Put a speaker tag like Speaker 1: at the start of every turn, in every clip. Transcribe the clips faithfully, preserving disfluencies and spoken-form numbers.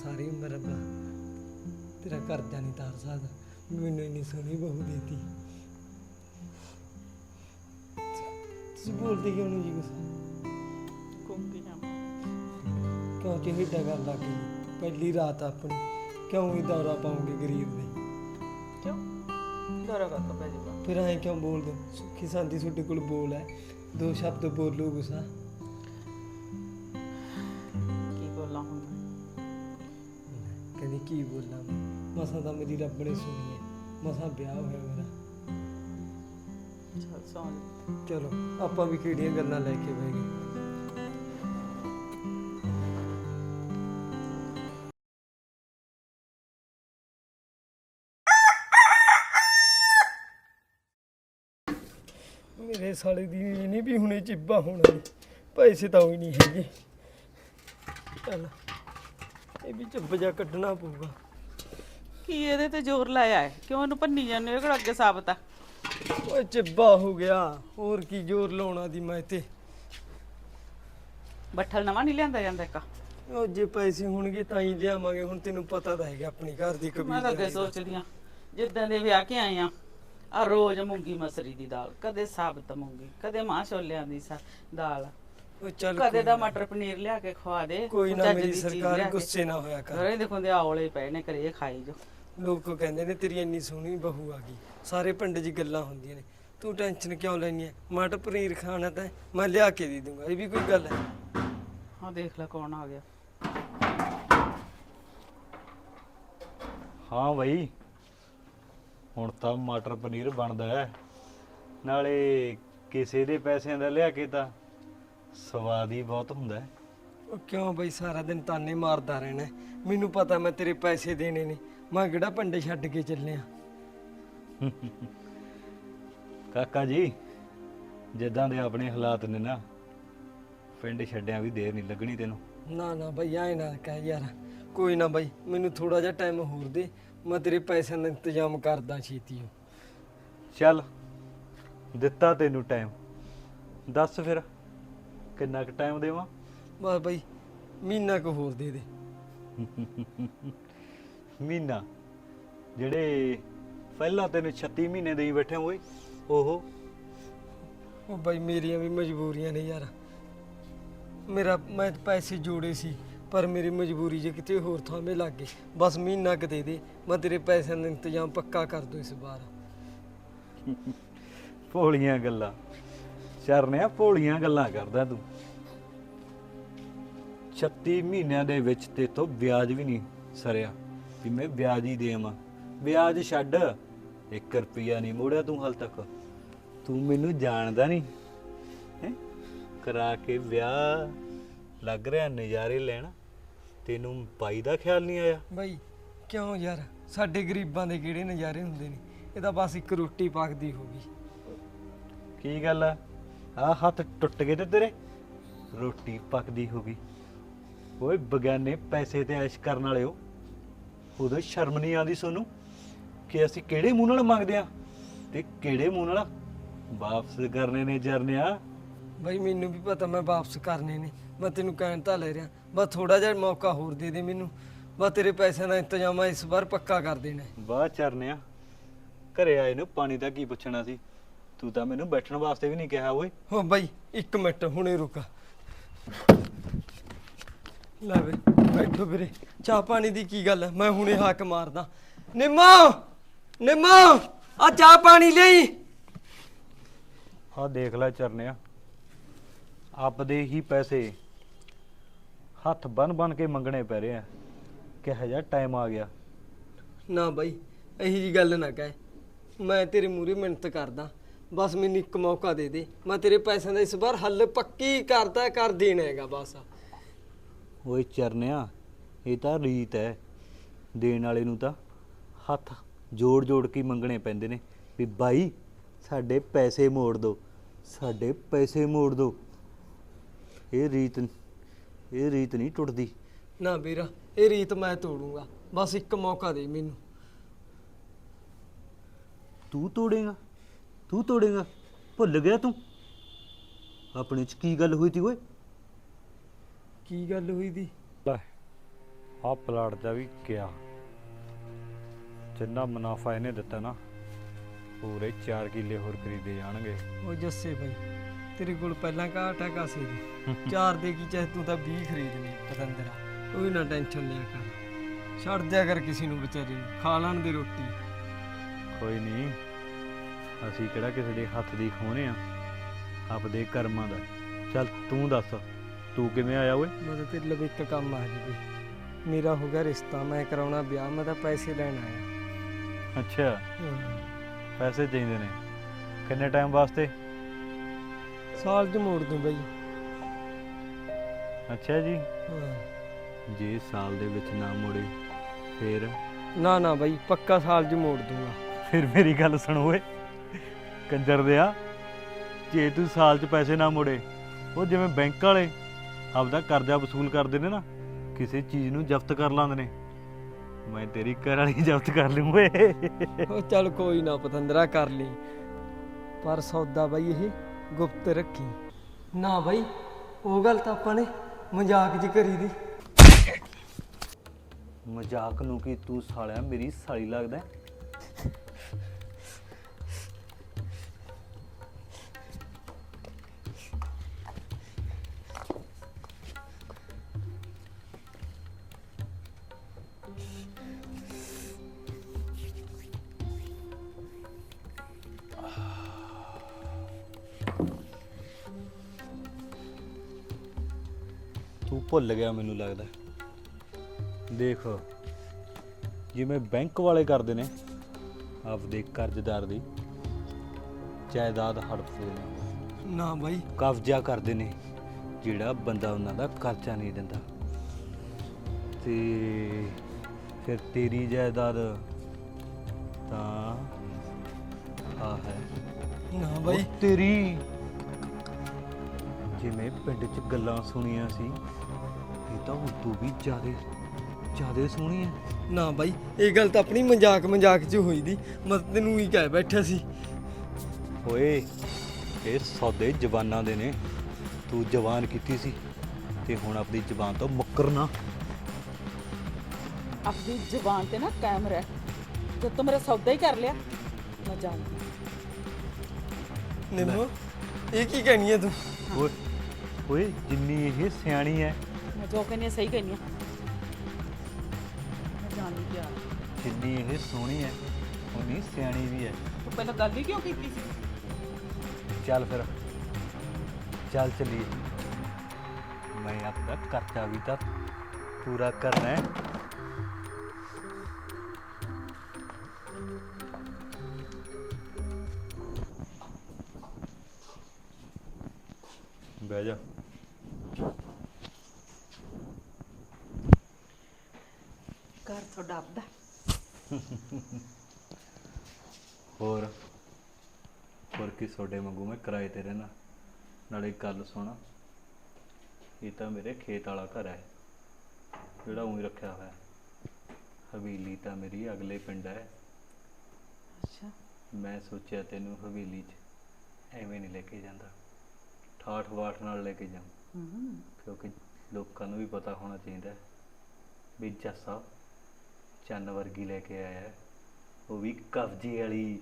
Speaker 1: ਸਾਰੀ ਉਮਰ ਰੱਬਾ ਤੇਰਾ ਕਰਜ਼ਾ ਨਹੀਂ ਤਾਰ ਸਕਦਾ। ਮੈਨੂੰ ਇੰਨੀ ਸੋਹਣੀ ਬਹੂ ਦੇਤੀ। ਤੁਸੀਂ ਬੋਲਦੇ ਕਿਉਂ ਨਹੀਂ ਜੀ ਕੁਛ?
Speaker 2: ਘੁੰਮੀ ਜਾਵਾਂ
Speaker 1: ਕਿਉਂ ਚਿਹੜਾ ਗੱਲ ਲੱਗ ਗਈ? ਪਹਿਲੀ ਰਾਤ ਆਪਣੀ ਕਿਉਂ ਹੀ ਦੌਰਾ ਪਾਉਂਗੇ ਗਰੀਬ ਦੇ?
Speaker 2: ਕਿਉਂ ਦੌਰਾ ਕਰ ਪੈ ਜਾਊਗਾ।
Speaker 1: ਫਿਰ ਐਂ ਕਿਉਂ ਬੋਲਦੇ ਹੋ? ਸੁੱਖੀ ਸਾਂਦੀ ਤੁਹਾਡੇ ਕੋਲ ਬੋਲ ਹੈ, ਦੋ ਸ਼ਬਦ ਬੋਲੋ ਗੁੱਸਾ।
Speaker 2: ਕੀ ਬੋਲਾਂ ਹੁਣ ਮੈਂ?
Speaker 1: ਕਹਿੰਦੀ ਕੀ ਬੋਲਾਂ ਮੈਂ? ਮਸਾਂ ਤਾਂ ਮੇਰੀ ਰੱਬ ਨੇ ਸੁਣੀ ਹੈ, ਮਸਾਂ ਵਿਆਹ ਹੋਇਆ ਮੇਰਾ।
Speaker 2: ਚੱਲ ਸੌਂ ਜਾ।
Speaker 1: ਚਲੋ ਆਪਾਂ ਵੀ ਕਿਹੜੀਆਂ ਗੱਲਾਂ ਲੈ ਕੇ ਬਹਿ ਗਏ। ਮੇਰੇ ਸਾਲੇ ਦੀ ਇਹ ਨਹੀਂ ਵੀ ਹੁਣੇ ਚਿੱਬਾ ਹੋਣਾ ਨੀ। ਪੈਸੇ ਤਾਂ ਹੋਈ ਨਹੀਂ ਹੈਗੇ। ਚੱਲ ਇਹ ਵੀ ਚੱਬ ਜਾ ਕੱਢਣਾ ਪਊਗਾ।
Speaker 2: ਕੀ ਇਹਦੇ ਤੇ ਜ਼ੋਰ ਲਾਇਆ ਹੈ? ਕਿਉਂ ਇਹਨੂੰ ਭੰਨੀ ਜਾਂਦੇ ਹੋ? ਕਿਹੜਾ ਅੱਗੇ ਸਾਬਤ ਆ?
Speaker 1: ਓਏ ਚਿੱਬਾ ਹੋ ਗਿਆ, ਹੋਰ ਕੀ ਜ਼ੋਰ ਲਾਉਣਾ ਦੀ ਮੈਂ ਤੇ।
Speaker 2: ਬੱਠਲ ਨਵਾਂ ਨਹੀਂ ਲਿਆਂਦਾ ਜਾਂਦਾ ਇੱਕ?
Speaker 1: ਉਹ ਜੇ ਪੈਸੇ ਹੋਣਗੇ ਤਾਂ ਹੀ ਲਿਆਵਾਂਗੇ। ਹੁਣ ਤੈਨੂੰ ਪਤਾ ਤਾਂ ਹੈਗਾ ਆਪਣੀ ਘਰ ਦੀ
Speaker 2: ਮੈਂ ਤਾਂ ਅੱਗੇ
Speaker 1: ਕਬੀਲਦਾਰੀ ਦਾ।
Speaker 2: ਸੋਚਦੀ ਆ ਜਿੱਦਾਂ ਦੇ ਵਿਆਹ ਕੇ ਆਏ ਆ ਆ ਰੋਜ਼ ਮੂੰਗੀ ਮਸਰੀ ਦੀ ਦਾਲ, ਕਦੇ ਸਾਬਤ ਮੂੰਗੀ, ਕਦੇ ਮਾਂ ਛੋਲਿਆਂ ਦੀ ਸਾ ਦਾਲ,
Speaker 1: ਉਹ ਚੱਲ
Speaker 2: ਕਦੇ
Speaker 1: ਕੋਈ
Speaker 2: ਦਾ
Speaker 1: ਨਾ।
Speaker 2: ਮਟਰ ਪਨੀਰ ਲਿਆ ਕੇ ਖਵਾ ਦੇ।
Speaker 1: ਕੋਈ ਨਾ,
Speaker 2: ਚੱਜ
Speaker 1: ਮੇਰੀ
Speaker 2: ਦੀ ਚੀਜ਼
Speaker 1: ਸਰਕਾਰ
Speaker 2: ਲਿਆ ਕੇ।
Speaker 1: ਗੁੱਸੇ ਨਾ ਹੋਇਆ ਕਰ।
Speaker 2: ਘਰੇ ਦੇਖੋ ਦੇ ਆਵਲੇ ਪਏ ਨੇ, ਘਰੇ ਖਾਈ ਜੋ।
Speaker 1: ਲੋਕ ਕਹਿੰਦੇ ਨੇ ਤੇਰੀ ਇੰਨੀ ਸੋਹਣੀ ਬਹੂ ਆ ਗਈ, ਸਾਰੇ ਪਿੰਡ 'ਚ ਗੱਲਾਂ ਹੁੰਦੀਆਂ ਨੇ। ਤੂੰ ਟੈਨਸ਼ਨ ਕਿਉਂ ਲੈਣੀ ਹੈ? ਮਟਰ ਪਨੀਰ ਖਾਣਾ ਤਾਂ ਮੈਂ ਲਿਆ ਕੇ ਦੇ ਦੂੰਗਾ। ਇਹ ਵੀ ਕੋਈ ਗੱਲ ਹੈ?
Speaker 2: ਹਾਂ ਦੇਖ ਲੈ ਕੌਣ ਆ ਗਿਆ।
Speaker 3: ਹਾਂ ਬਈ, ਹੁਣ ਤਾਂ ਮਟਰ ਪਨੀਰ ਬਣਦਾ ਹੈ, ਨਾਲੇ ਕਿਸੇ ਦੇ ਪੈਸਿਆਂ ਦਾ ਲਿਆ ਕੇ ਤਾਂ ਸਵਾਦ ਹੀ ਬਹੁਤ ਹੁੰਦਾ ਹੈ।
Speaker 1: ਉਹ ਕਿਉਂ ਬਈ ਸਾਰਾ ਦਿਨ ਤਾਨੇ ਮਾਰਦਾ ਰਹਿਣਾ ਹੈ? ਮੈਨੂੰ ਪਤਾ ਮੈਂ ਤੇਰੇ ਪੈਸੇ ਦੇਣੇ ਨੇ। ਮੈਂ ਕਿਹੜਾ ਪਿੰਡ ਛੱਡ ਕੇ ਚੱਲਿਆ।
Speaker 3: ਕਾਕਾ ਜੀ, ਜਿੱਦਾਂ ਦੇ ਆਪਣੇ ਹਾਲਾਤ ਨੇ ਨਾ, ਪਿੰਡ ਛੱਡਿਆਂ ਵੀ ਦੇਰ ਨਹੀਂ ਲੱਗਣੀ ਤੈਨੂੰ।
Speaker 1: ਨਾ ਨਾ ਬਈ ਐ ਨਾ ਕਹਿ ਯਾਰ। ਕੋਈ ਨਾ ਬਈ, ਮੈਨੂੰ ਥੋੜਾ ਜਿਹਾ ਟਾਈਮ ਹੋਰ ਦੇ, ਮੈਂ ਤੇਰੇ ਪੈਸਿਆਂ ਦਾ ਇੰਤਜ਼ਾਮ ਕਰਦਾ ਛੇਤੀ।
Speaker 3: ਚੱਲ ਦਿੱਤਾ ਤੈਨੂੰ ਟਾਈਮ, ਦੱਸ ਫਿਰ ਕਿੰਨਾ ਕੁ ਟਾਈਮ ਦੇਵਾਂ?
Speaker 1: ਬਸ ਬਈ ਮਹੀਨਾ ਕੁ ਹੋਰ ਦੇ ਦੇ।
Speaker 3: ਮਹੀਨਾ? ਜਿਹੜੇ ਪਹਿਲਾਂ ਤੈਨੂੰ ਛੱਤੀ ਮਹੀਨੇ ਦੇਈ ਬੈਠੇ ਓਏ, ਓਹੋ।
Speaker 1: ਉਹ ਬਈ ਮੇਰੀਆਂ ਵੀ ਮਜਬੂਰੀਆਂ ਨੇ ਯਾਰ। ਮੇਰਾ ਮੈਂ ਪੈਸੇ ਜੋੜੇ ਸੀ, ਪਰ ਮੇਰੀ ਮਜਬੂਰੀ ਜੇ ਕਿਤੇ ਹੋਰ ਥਾਵੇਂ ਲੱਗ ਗਏ। ਬਸ ਮਹੀਨਾ ਕੁ ਦੇ ਦੇ, ਮੈਂ ਤੇਰੇ ਪੈਸਿਆਂ ਦਾ ਇੰਤਜ਼ਾਮ ਪੱਕਾ ਕਰ ਦੂੰ ਇਸ ਵਾਰ।
Speaker 3: ਭੋਲੀਆਂ ਗੱਲਾਂ ਚਰਨਿਆ, ਭੋਲੀਆਂ ਗੱਲਾਂ ਕਰਦਾ ਤੂੰ। ਛੱਤੀ ਮਹੀਨਿਆਂ ਦੇ ਵਿੱਚ ਤੇ ਤੋਂ ਵਿਆਜ ਵੀ ਨਹੀਂ ਸਰਿਆ ਵੀ ਮੈਂ ਵਿਆਜ ਹੀ ਦੇਵਾਂ। ਵਿਆਜ ਛੱਡ, ਇੱਕ ਰੁਪਈਆ ਨਹੀਂ ਮੋੜਿਆ ਤੂੰ ਹਾਲ ਤੱਕ। ਤੂੰ ਮੈਨੂੰ ਜਾਣਦਾ ਨਹੀਂ ਹੈ? ਕਰਾ ਕੇ ਵਿਆਹ ਲੱਗ ਰਿਹਾ ਨਜ਼ਾਰੇ ਲੈਣ, ਤੈਨੂੰ ਬਾਈ ਦਾ ਖਿਆਲ ਨਹੀਂ ਆਇਆ?
Speaker 1: ਬਈ ਕਿਉਂ ਯਾਰ, ਸਾਡੇ ਗਰੀਬਾਂ ਦੇ ਕਿਹੜੇ ਨਜ਼ਾਰੇ ਹੁੰਦੇ ਨੇ? ਇਹ ਤਾਂ ਬਸ ਇੱਕ ਰੋਟੀ ਪੱਕਦੀ ਹੋ ਗਈ।
Speaker 3: ਕੀ ਗੱਲ ਆ, ਆਹ ਹੱਥ ਟੁੱਟ ਗਏ ਤੇ ਤੇਰੇ? ਰੋਟੀ ਪੱਕਦੀ ਹੋ ਗਈ? ਓਏ ਬਗਾਨੇ ਪੈਸੇ ਤੇ ਐਸ਼ ਕਰਨ ਵਾਲੇ ਹੋ, ਉਦੋਂ ਸ਼ਰਮ ਨਹੀਂ ਆਉਂਦੀ ਸੋਨੂੰ ਕਿ ਅਸੀਂ ਕਿਹੜੇ ਮੂੰਹ ਨਾਲ ਮੰਗਦੇ ਆ ਤੇ ਕਿਹੜੇ ਮੂੰਹ ਨਾਲ ਵਾਪਸ ਕਰਨੇ ਨੇ ਜਰਨਿਆ?
Speaker 1: ਬਈ ਮੈਨੂੰ ਵੀ ਪਤਾ ਮੈਂ ਵਾਪਸ ਕਰਨੇ ਨੇ, ਮੈਂ ਤੈਨੂੰ ਕਹਿਣ ਤਾਂ ਲੈ ਰਿਹਾ। ਬਸ ਥੋੜਾ ਜਿਹਾ ਮੌਕਾ ਹੋਰ ਦੇ ਦੇ ਮੈਨੂੰ, ਬਸ ਤੇਰੇ ਪੈਸਿਆਂ ਦਾ ਇੰਤਜ਼ਾਮ ਇਸ ਵਾਰ ਪੱਕਾ ਕਰ ਦੇਣਾ।
Speaker 3: ਬਾਹਰ ਚਰਨਿਆ, ਘਰੇ ਆਏ ਨੂੰ ਪਾਣੀ ਦਾ ਕੀ ਪੁੱਛਣਾ ਸੀ? ਤੂੰ ਤਾਂ ਮੈਨੂੰ ਬੈਠਣ ਵਾਸਤੇ ਵੀ ਨਹੀਂ ਕਿਹਾ ਓਏ।
Speaker 1: ਹੋ ਬਈ ਇੱਕ ਮਿੰਟ, ਹੁਣੇ ਰੁਕ। ਲੈ ਵੇ ਬੈਠੋ ਵੀਰੇ, ਚਾਹ ਪਾਣੀ ਦੀ ਕੀ ਗੱਲ ਹੈ? ਮੈਂ ਹੁਣੇ ਹੱਕ ਮਾਰਦਾ। ਨਿੰਮੋ ਨਿੰਮੋ, ਆ ਚਾਹ ਪਾਣੀ ਲਈ।
Speaker 3: ਹਾਂ ਦੇਖ ਲੈ ਚਰਨਿਆ, ਆਪਦੇ ਹੀ ਪੈਸੇ ਹੱਥ ਬਨ ਬਨ ਕੇ ਮੰਗਣੇ ਪੈ ਰਹੇ ਆ। ਕਿਹੋ ਜਿਹਾ ਟਾਈਮ ਆ ਗਿਆ।
Speaker 1: ਨਾ ਬਾਈ ਇਹੀ ਜੀ ਗੱਲ ਨਾ ਕਹਿ, ਮੈਂ ਤੇਰੇ ਮੂਹਰੇ ਮਿਹਨਤ ਕਰਦਾ। ਬਸ ਮੈਨੂੰ ਇੱਕ ਮੌਕਾ ਦੇ ਦੇ, ਮੈਂ ਤੇਰੇ ਪੈਸਿਆਂ ਦਾ ਇਸ ਵਾਰ ਹੱਲ ਪੱਕੀ ਕਰਦਾ ਕਰ ਦੇਣਾ ਹੈਗਾ ਬਸ।
Speaker 3: ਓਏ ਚਰਨਿਆ, ਇਹ ਤਾਂ ਰੀਤ ਹੈ, ਦੇਣ ਵਾਲੇ ਨੂੰ ਤਾਂ ਹੱਥ ਜੋੜ ਜੋੜ ਕੇ ਮੰਗਣੇ ਪੈਂਦੇ ਨੇ ਵੀ ਬਾਈ ਸਾਡੇ ਪੈਸੇ ਮੋੜ ਦਿਓ, ਸਾਡੇ ਪੈਸੇ ਮੋੜ ਦਿਓ। ਇਹ ਰੀਤ ਇਹ ਰੀਤ ਨਹੀਂ ਟੁੱਟਦੀ।
Speaker 1: ਨਾ ਵੀਰਾ, ਇਹ ਰੀਤ ਮੈਂ ਤੋੜੂੰਗਾ, ਬਸ ਇੱਕ ਮੌਕਾ ਦੇ ਮੈਨੂੰ।
Speaker 3: ਤੂੰ ਤੋੜੇਗਾ? ਤੂੰ ਤੋੜੇਗਾ? ਭੁੱਲ ਗਿਆ ਤੂੰ ਆਪਣੇ ਚ ਕੀ ਗੱਲ ਹੋਈ ਤੀ ਓਏ?
Speaker 1: ਕੀ ਗੱਲ ਹੋਈ ਦੀ?
Speaker 3: ਆ ਪਲਾਟ ਦਾ ਵੀ ਗਿਆ, ਜਿੰਨਾ ਮੁਨਾਫਾ ਇਹਨੇ ਦਿੱਤਾ ਨਾ ਪੂਰੇ ਚਾਰ ਕਿੱਲੇ ਹੋਰ ਖਰੀਦੇ ਜਾਣਗੇ।
Speaker 1: ਉਹ ਜੱਸੇ ਬਾਈ ਤੇਰੇ ਕੋਲ ਪਹਿਲਾਂ ਘਾਟਾ ਕਾਸੇ ਦੀ ਚਾਰ ਦੇ ਕੀ ਚਾਹੇ ਤੂੰ ਤਾਂ ਵੀਹ ਖਰੀਦ ਲਈ ਪਤੰਦਰਾ, ਕੋਈ ਨਾ ਟੈਨਸ਼ਨ ਲਿਆ ਕਰ, ਛੱਡ ਦਿਆ ਕਰ ਕਿਸੇ ਨੂੰ ਵਿਚਾਰੇ ਨੂੰ, ਖਾ ਲੈਣ ਦੇ ਰੋਟੀ।
Speaker 3: ਕੋਈ ਨਹੀਂ, ਅਸੀਂ ਕਿਹੜਾ ਕਿਸੇ ਦੇ ਹੱਥ ਦੀ ਖੋਹਣੇ ਆ, ਆਪਦੇ ਕਰਮਾਂ ਦਾ। ਚੱਲ ਤੂੰ ਦੱਸ, ਤੂੰ ਕਿਵੇਂ ਆਇਆ ਓਏ?
Speaker 1: ਮੈਂ ਤਾਂ ਤੇਰੇ ਲਈ ਇੱਕ ਕੰਮ ਆ ਜੀ ਬਈ, ਮੇਰਾ ਹੋ ਗਿਆ ਰਿਸ਼ਤਾ, ਮੈਂ ਕਰਾਉਣਾ ਵਿਆਹ, ਮੈਂ ਤਾਂ ਪੈਸੇ ਲੈਣ ਆਇਆ।
Speaker 3: ਅੱਛਾ,
Speaker 1: ਹਾਂ।
Speaker 3: ਪੈਸੇ ਚਾਹੀਦੇ ਨੇ, ਕਿੰਨੇ ਟਾਈਮ ਵਾਸਤੇ?
Speaker 1: ਸਾਲ 'ਚ ਮੋੜ ਦੂੰ ਬਈ।
Speaker 3: ਅੱਛਾ ਜੀ,
Speaker 1: ਹਾਂ।
Speaker 3: ਜੇ ਸਾਲ ਦੇ ਵਿੱਚ ਨਾ ਮੋੜੇ ਫਿਰ?
Speaker 1: ਨਾ ਨਾ ਬਈ, ਪੱਕਾ ਸਾਲ 'ਚ ਮੋੜ ਦੂੰਗਾ।
Speaker 3: ਫਿਰ ਮੇਰੀ ਗੱਲ ਸੁਣ ਓਏ ਕੰਜਰ ਦਿਆ, ਜੇ ਤੂੰ ਸਾਲ 'ਚ ਪੈਸੇ ਨਾ ਮੋੜੇ, ਉਹ ਜਿਵੇਂ ਬੈਂਕ ਵਾਲੇ ਆਪਦਾ ਕਰਜ਼ਾ ਵਸੂਲ ਕਰਦੇ ਨੇ ਨਾ, ਕਿਸੇ ਚੀਜ਼ ਨੂੰ ਜ਼ਬਤ ਕਰ ਲਾਂਦੇ ਨੇ, ਮੈਂ ਤੇਰੀ ਘਰ ਵਾਲੀ ਜ਼ਬਤ ਕਰ ਲੂੰ ਓਏ।
Speaker 1: ਉਹ ਚੱਲ ਕੋਈ ਨਾ ਪਤੰਦਰਾ, ਕਰ ਲਈ, ਪਰ ਸੌਦਾ ਬਈ ਇਹ ਗੁਪਤ ਰੱਖੀ। ਨਾ ਬਈ, ਉਹ ਗੱਲ ਤਾਂ ਆਪਾਂ ਨੇ ਮਜ਼ਾਕ 'ਚ ਕਰੀ ਦੀ।
Speaker 3: ਮਜ਼ਾਕ ਨੂੰ ਕੀ, ਤੂੰ ਸਾਲਿਆ ਮੇਰੀ ਸਾਲੀ ਲੱਗਦਾ। ਤੂੰ ਭੁੱਲ ਗਿਆ ਮੈਨੂੰ ਲੱਗਦਾ। ਦੇਖ, ਜਿਵੇਂ ਬੈਂਕ ਵਾਲੇ ਕਰਦੇ ਨੇ ਆਪਦੇ ਕਰਜ਼ਦਾਰ ਦੀ ਜਾਇਦਾਦ ਹੜਪਦੇ ਨੇ,
Speaker 1: ਨਾ ਬਈ,
Speaker 3: ਕਬਜ਼ਾ ਕਰਦੇ ਨੇ ਜਿਹੜਾ ਬੰਦਾ ਉਹਨਾਂ ਦਾ ਕਰਜ਼ਾ ਨਹੀਂ ਦਿੰਦਾ, ਤੇ ਫਿਰ ਤੇਰੀ ਜਾਇਦਾਦ ਤਾਂ ਆ ਹੈ।
Speaker 1: ਨਾ ਬਈ,
Speaker 3: ਉਹ ਤੇਰੀ, ਜਿਵੇਂ ਪਿੰਡ 'ਚ ਗੱਲਾਂ ਸੁਣੀਆਂ ਸੀ, ਇਹ ਤਾਂ ਉਦੋਂ ਵੀ ਜ਼ਿਆਦੇ ਜ਼ਿਆਦੇ ਸੋਹਣੀ ਹੈ।
Speaker 1: ਨਾ ਬਾਈ, ਇਹ ਗੱਲ ਤਾਂ ਆਪਣੀ ਮਜ਼ਾਕ ਮਜ਼ਾਕ 'ਚ ਹੋਈ ਦੀ, ਮੈਂ ਤਾਂ ਤੈਨੂੰ ਹੀ ਕਹਿ ਬੈਠਾ ਸੀ।
Speaker 3: ਓਏ ਇਹ ਸੌਦੇ ਜ਼ਬਾਨਾਂ ਦੇ ਨੇ, ਤੂੰ ਜ਼ਬਾਨ ਕੀਤੀ ਸੀ ਤੇ ਹੁਣ ਆਪਣੀ ਜ਼ਬਾਨ ਤੋਂ ਮੁੱਕਰ ਨਾ।
Speaker 2: ਆਪਣੀ ਜ਼ੁਬਾਨ ਤੇ ਨਾ ਕਾਇਮ ਰਹਿ, ਜਦ ਤੂੰ ਮੇਰਾ ਸੌਦਾ ਹੀ ਕਰ ਲਿਆ ਮੈਂ ਜਾਣਦੀ।
Speaker 1: ਨਿੰਮੋ, ਇਹ ਕੀ ਕਹਿਣੀ ਹੈ ਤੂੰ?
Speaker 3: ਓਏ ਓਏ ਜਿੰਨੀ ਇਹ ਸਿਆਣੀ ਹੈ,
Speaker 2: ਮੈਂ ਜੋ ਕਹਿੰਦੀ ਹਾਂ ਸਹੀ ਕਹਿੰਦੀ ਹਾਂ, ਮੈਂ ਜਾਣਦੀ ਪਿਆ।
Speaker 3: ਜਿੰਨੀ ਇਹ ਸੋਹਣੀ ਹੈ ਉਨੀ ਸਿਆਣੀ ਵੀ ਹੈ।
Speaker 2: ਤੂੰ ਪਹਿਲਾਂ ਗੱਲ ਹੀ ਕਿਉਂ ਕੀਤੀ ਸੀ?
Speaker 3: ਚੱਲ ਫਿਰ, ਚੱਲ ਚੱਲੀਏ, ਮੈਂ ਆਪਣਾ ਕਰਜ਼ਾ ਵੀ ਤਾਂ ਪੂਰਾ ਕਰਨਾ ਹੈ। ਬਹਿ ਜਾ।
Speaker 2: ਘਰ ਤੁਹਾਡਾ ਆਪਦਾ?
Speaker 3: ਹੋਰ ਹੋਰ ਕੀ, ਤੁਹਾਡੇ ਵਾਂਗੂ ਮੈਂ ਕਿਰਾਏ ਤੇ ਰਹਿਣਾ। ਨਾਲੇ ਗੱਲ ਸੁਣ, ਇਹ ਤਾਂ ਮੇਰੇ ਖੇਤ ਵਾਲਾ ਘਰ ਹੈ ਜਿਹੜਾ ਊਂ ਹੀ ਰੱਖਿਆ ਹੋਇਆ। ਹਵੇਲੀ ਤਾਂ ਮੇਰੀ ਅਗਲੇ ਪਿੰਡ ਹੈ।
Speaker 2: ਅੱਛਾ,
Speaker 3: ਮੈਂ ਸੋਚਿਆ ਤੈਨੂੰ ਹਵੇਲੀ 'ਚ ਐਵੇਂ ਨਹੀਂ ਲੈ ਕੇ ਜਾਂਦਾ, ਠਾਠ ਬਾਠ ਨਾਲ ਲੈ ਕੇ ਜਾਵਾਂ,
Speaker 2: ਹੂੰ,
Speaker 3: ਕਿਉਂਕਿ ਲੋਕਾਂ ਨੂੰ ਵੀ ਪਤਾ ਹੋਣਾ ਚਾਹੀਦਾ ਹੈ ਵੀ ਜੱਸਾ ਚੰਨ ਵਰਗੀ ਲੈ ਕੇ ਆਇਆ ਹੈ, ਉਹ ਵੀ ਕਬਜ਼ੇ ਵਾਲੀ।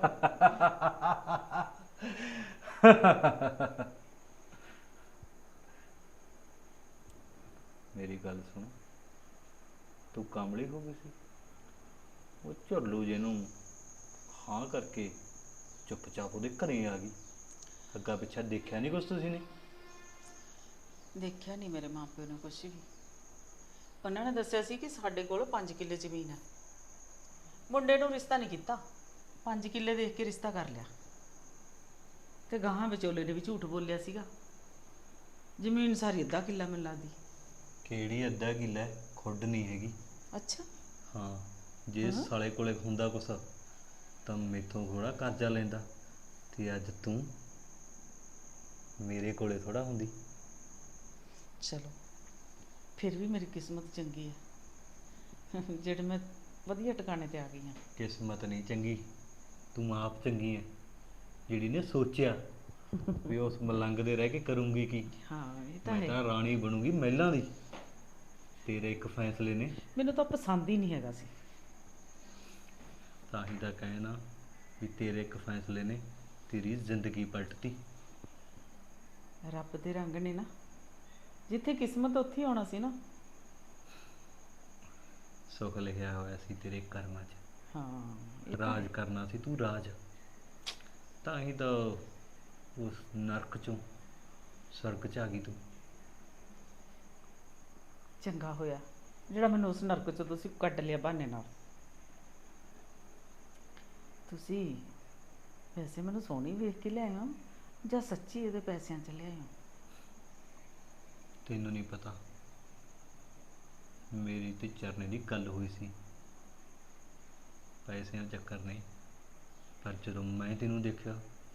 Speaker 3: ਮੇਰੀ ਗੱਲ ਸੁਣ, ਤੂੰ ਕਾਮਲੀ ਹੋ ਗਈ ਸੀ, ਉਹ ਝੁਰਲੂ ਜਿਹਨੂੰ ਹਾਂ ਕਰਕੇ ਚੁੱਪਚਾਪ ਉਹਦੇ ਘਰੇ ਆ ਗਈ। ਅੱਗਾ ਪਿੱਛਾ ਦੇਖਿਆ ਨਹੀਂ ਕੁਛ ਤੁਸੀਂ ਨੇ?
Speaker 2: ਦੇਖਿਆ ਨਹੀਂ ਮੇਰੇ ਮਾਪਿਓ ਨੇ ਕੁਛ ਵੀ। ਉਹਨਾਂ ਨੇ ਦੱਸਿਆ ਸੀ ਕਿ ਸਾਡੇ ਕੋਲ ਪੰਜ ਕਿੱਲੇ ਜ਼ਮੀਨ ਹੈ। ਮੁੰਡੇ ਨੂੰ ਰਿਸ਼ਤਾ ਨਹੀਂ ਕੀਤਾ, ਪੰਜ ਕਿੱਲੇ ਦੇਖ ਕੇ ਰਿਸ਼ਤਾ ਕਰ ਲਿਆ, ਤੇ ਗਾਹਾਂ ਵਿਚੋਲੇ ਨੇ ਵੀ ਝੂਠ ਬੋਲਿਆ ਸੀਗਾ। ਜ਼ਮੀਨ ਸਾਰੀ ਅੱਧਾ ਕਿੱਲਾ ਮੈਨੂੰ ਲੱਗਦੀ।
Speaker 3: ਕਿਹੜੀ ਅੱਧਾ ਕਿੱਲਾ ਹੈ, ਖੁੱਡ ਨਹੀਂ ਹੈਗੀ।
Speaker 2: ਅੱਛਾ,
Speaker 3: ਹਾਂ, ਜੇ ਸਾਲੇ ਕੋਲੇ ਹੁੰਦਾ ਕੁਛ ਤਾਂ ਮੇਥੋਂ ਥੋੜਾ ਕਰਜ਼ਾ ਲੈਂਦਾ, ਤੇ ਅੱਜ ਤੂੰ ਮੇਰੇ ਕੋਲੇ ਥੋੜਾ ਹੁੰਦੀ।
Speaker 2: ਚਲੋ ਫਿਰ ਵੀ ਮੇਰੀ ਕਿਸਮਤ ਚੰਗੀ ਹੈ ਜਿਹੜੇ ਮੈਂ ਵਧੀਆ ਟਿਕਾਣੇ ਤੇ ਆ ਗਈ ਹਾਂ।
Speaker 3: ਕਿਸਮਤ ਨਹੀਂ ਚੰਗੀ, ਤੂੰ ਆਪ ਚੰਗੀ ਹੈ ਜਿਹੜੀ ਨੇ ਸੋਚਿਆ ਵੀ ਉਸ ਮਲੰਗ ਦੇ ਰਹਿ ਕੇ ਕਰੂੰਗੀ ਕੀ।
Speaker 2: ਹਾਂ ਇਹ ਤਾਂ
Speaker 3: ਮੈਂ
Speaker 2: ਹੈ।
Speaker 3: ਤਾਂ ਰਾਣੀ ਬਣੂਗੀ ਮਹਿਲਾਂ ਦੀ। ਤੇਰੇ ਇੱਕ ਫੈਸਲੇ ਨੇ
Speaker 2: ਮੈਨੂੰ ਤਾਂ ਪਸੰਦ ਹੀ ਨਹੀਂ ਹੈਗਾ ਸੀ।
Speaker 3: ਤਾਂ ਹੀ ਤਾਂ ਕਹਿਣਾ ਵੀ ਤੇਰੇ ਇੱਕ ਫੈਸਲੇ ਨੇ ਤੇਰੀ ਜ਼ਿੰਦਗੀ ਪਲਟਤੀ।
Speaker 2: ਰੱਬ ਦੇ ਰੰਗ ਨੇ ਨਾ, ਜਿੱਥੇ ਕਿਸਮਤ ਉੱਥੇ ਹੀ ਆਉਣਾ ਸੀ ਨਾ।
Speaker 3: ਸੁੱਖ ਲਿਖਿਆ ਹੋਇਆ ਸੀ ਤੇਰੇ ਕਰਮਾਂ 'ਚ,
Speaker 2: ਹਾਂ ਇਹ ਤਾਂ
Speaker 3: ਰਾਜ
Speaker 2: ਹੈ।
Speaker 3: ਕਰਨਾ ਸੀ ਤੂੰ ਰਾਜ। ਤਾਂ ਹੀ ਤਾਂ ਉਸ ਨਰਕ ਚੋਂ ਸਵਰਗ 'ਚ ਆ ਗਈ ਤੂੰ।
Speaker 2: ਚੰਗਾ ਹੋਇਆ ਜਿਹੜਾ ਮੈਨੂੰ ਉਸ ਨਰਕ ਚੋਂ ਤੁਸੀਂ ਕੱਢ ਲਿਆ ਬਹਾਨੇ ਨਾਲ। ਤੁਸੀਂ ਵੈਸੇ ਮੈਨੂੰ ਸੋਹਣੀ ਵੇਖ ਕੇ ਲਿਆਏ ਹੋ ਜਾਂ ਸੱਚੀ ਇਹਦੇ ਪੈਸਿਆਂ 'ਚ ਲਿਆਏ ਹੋ?
Speaker 3: ਤੈਨੂੰ ਨਹੀਂ ਪਤਾ, ਮੇਰੀ ਤੇ ਚਰਨੇ ਦੀ ਗੱਲ ਹੋਈ ਸੀ ਪੈਸਿਆਂ ਦਾ ਚੱਕਰ ਨਹੀਂ, ਪਰ ਜਦੋਂ ਮੈਂ ਤੈਨੂੰ ਦੇਖਿਆ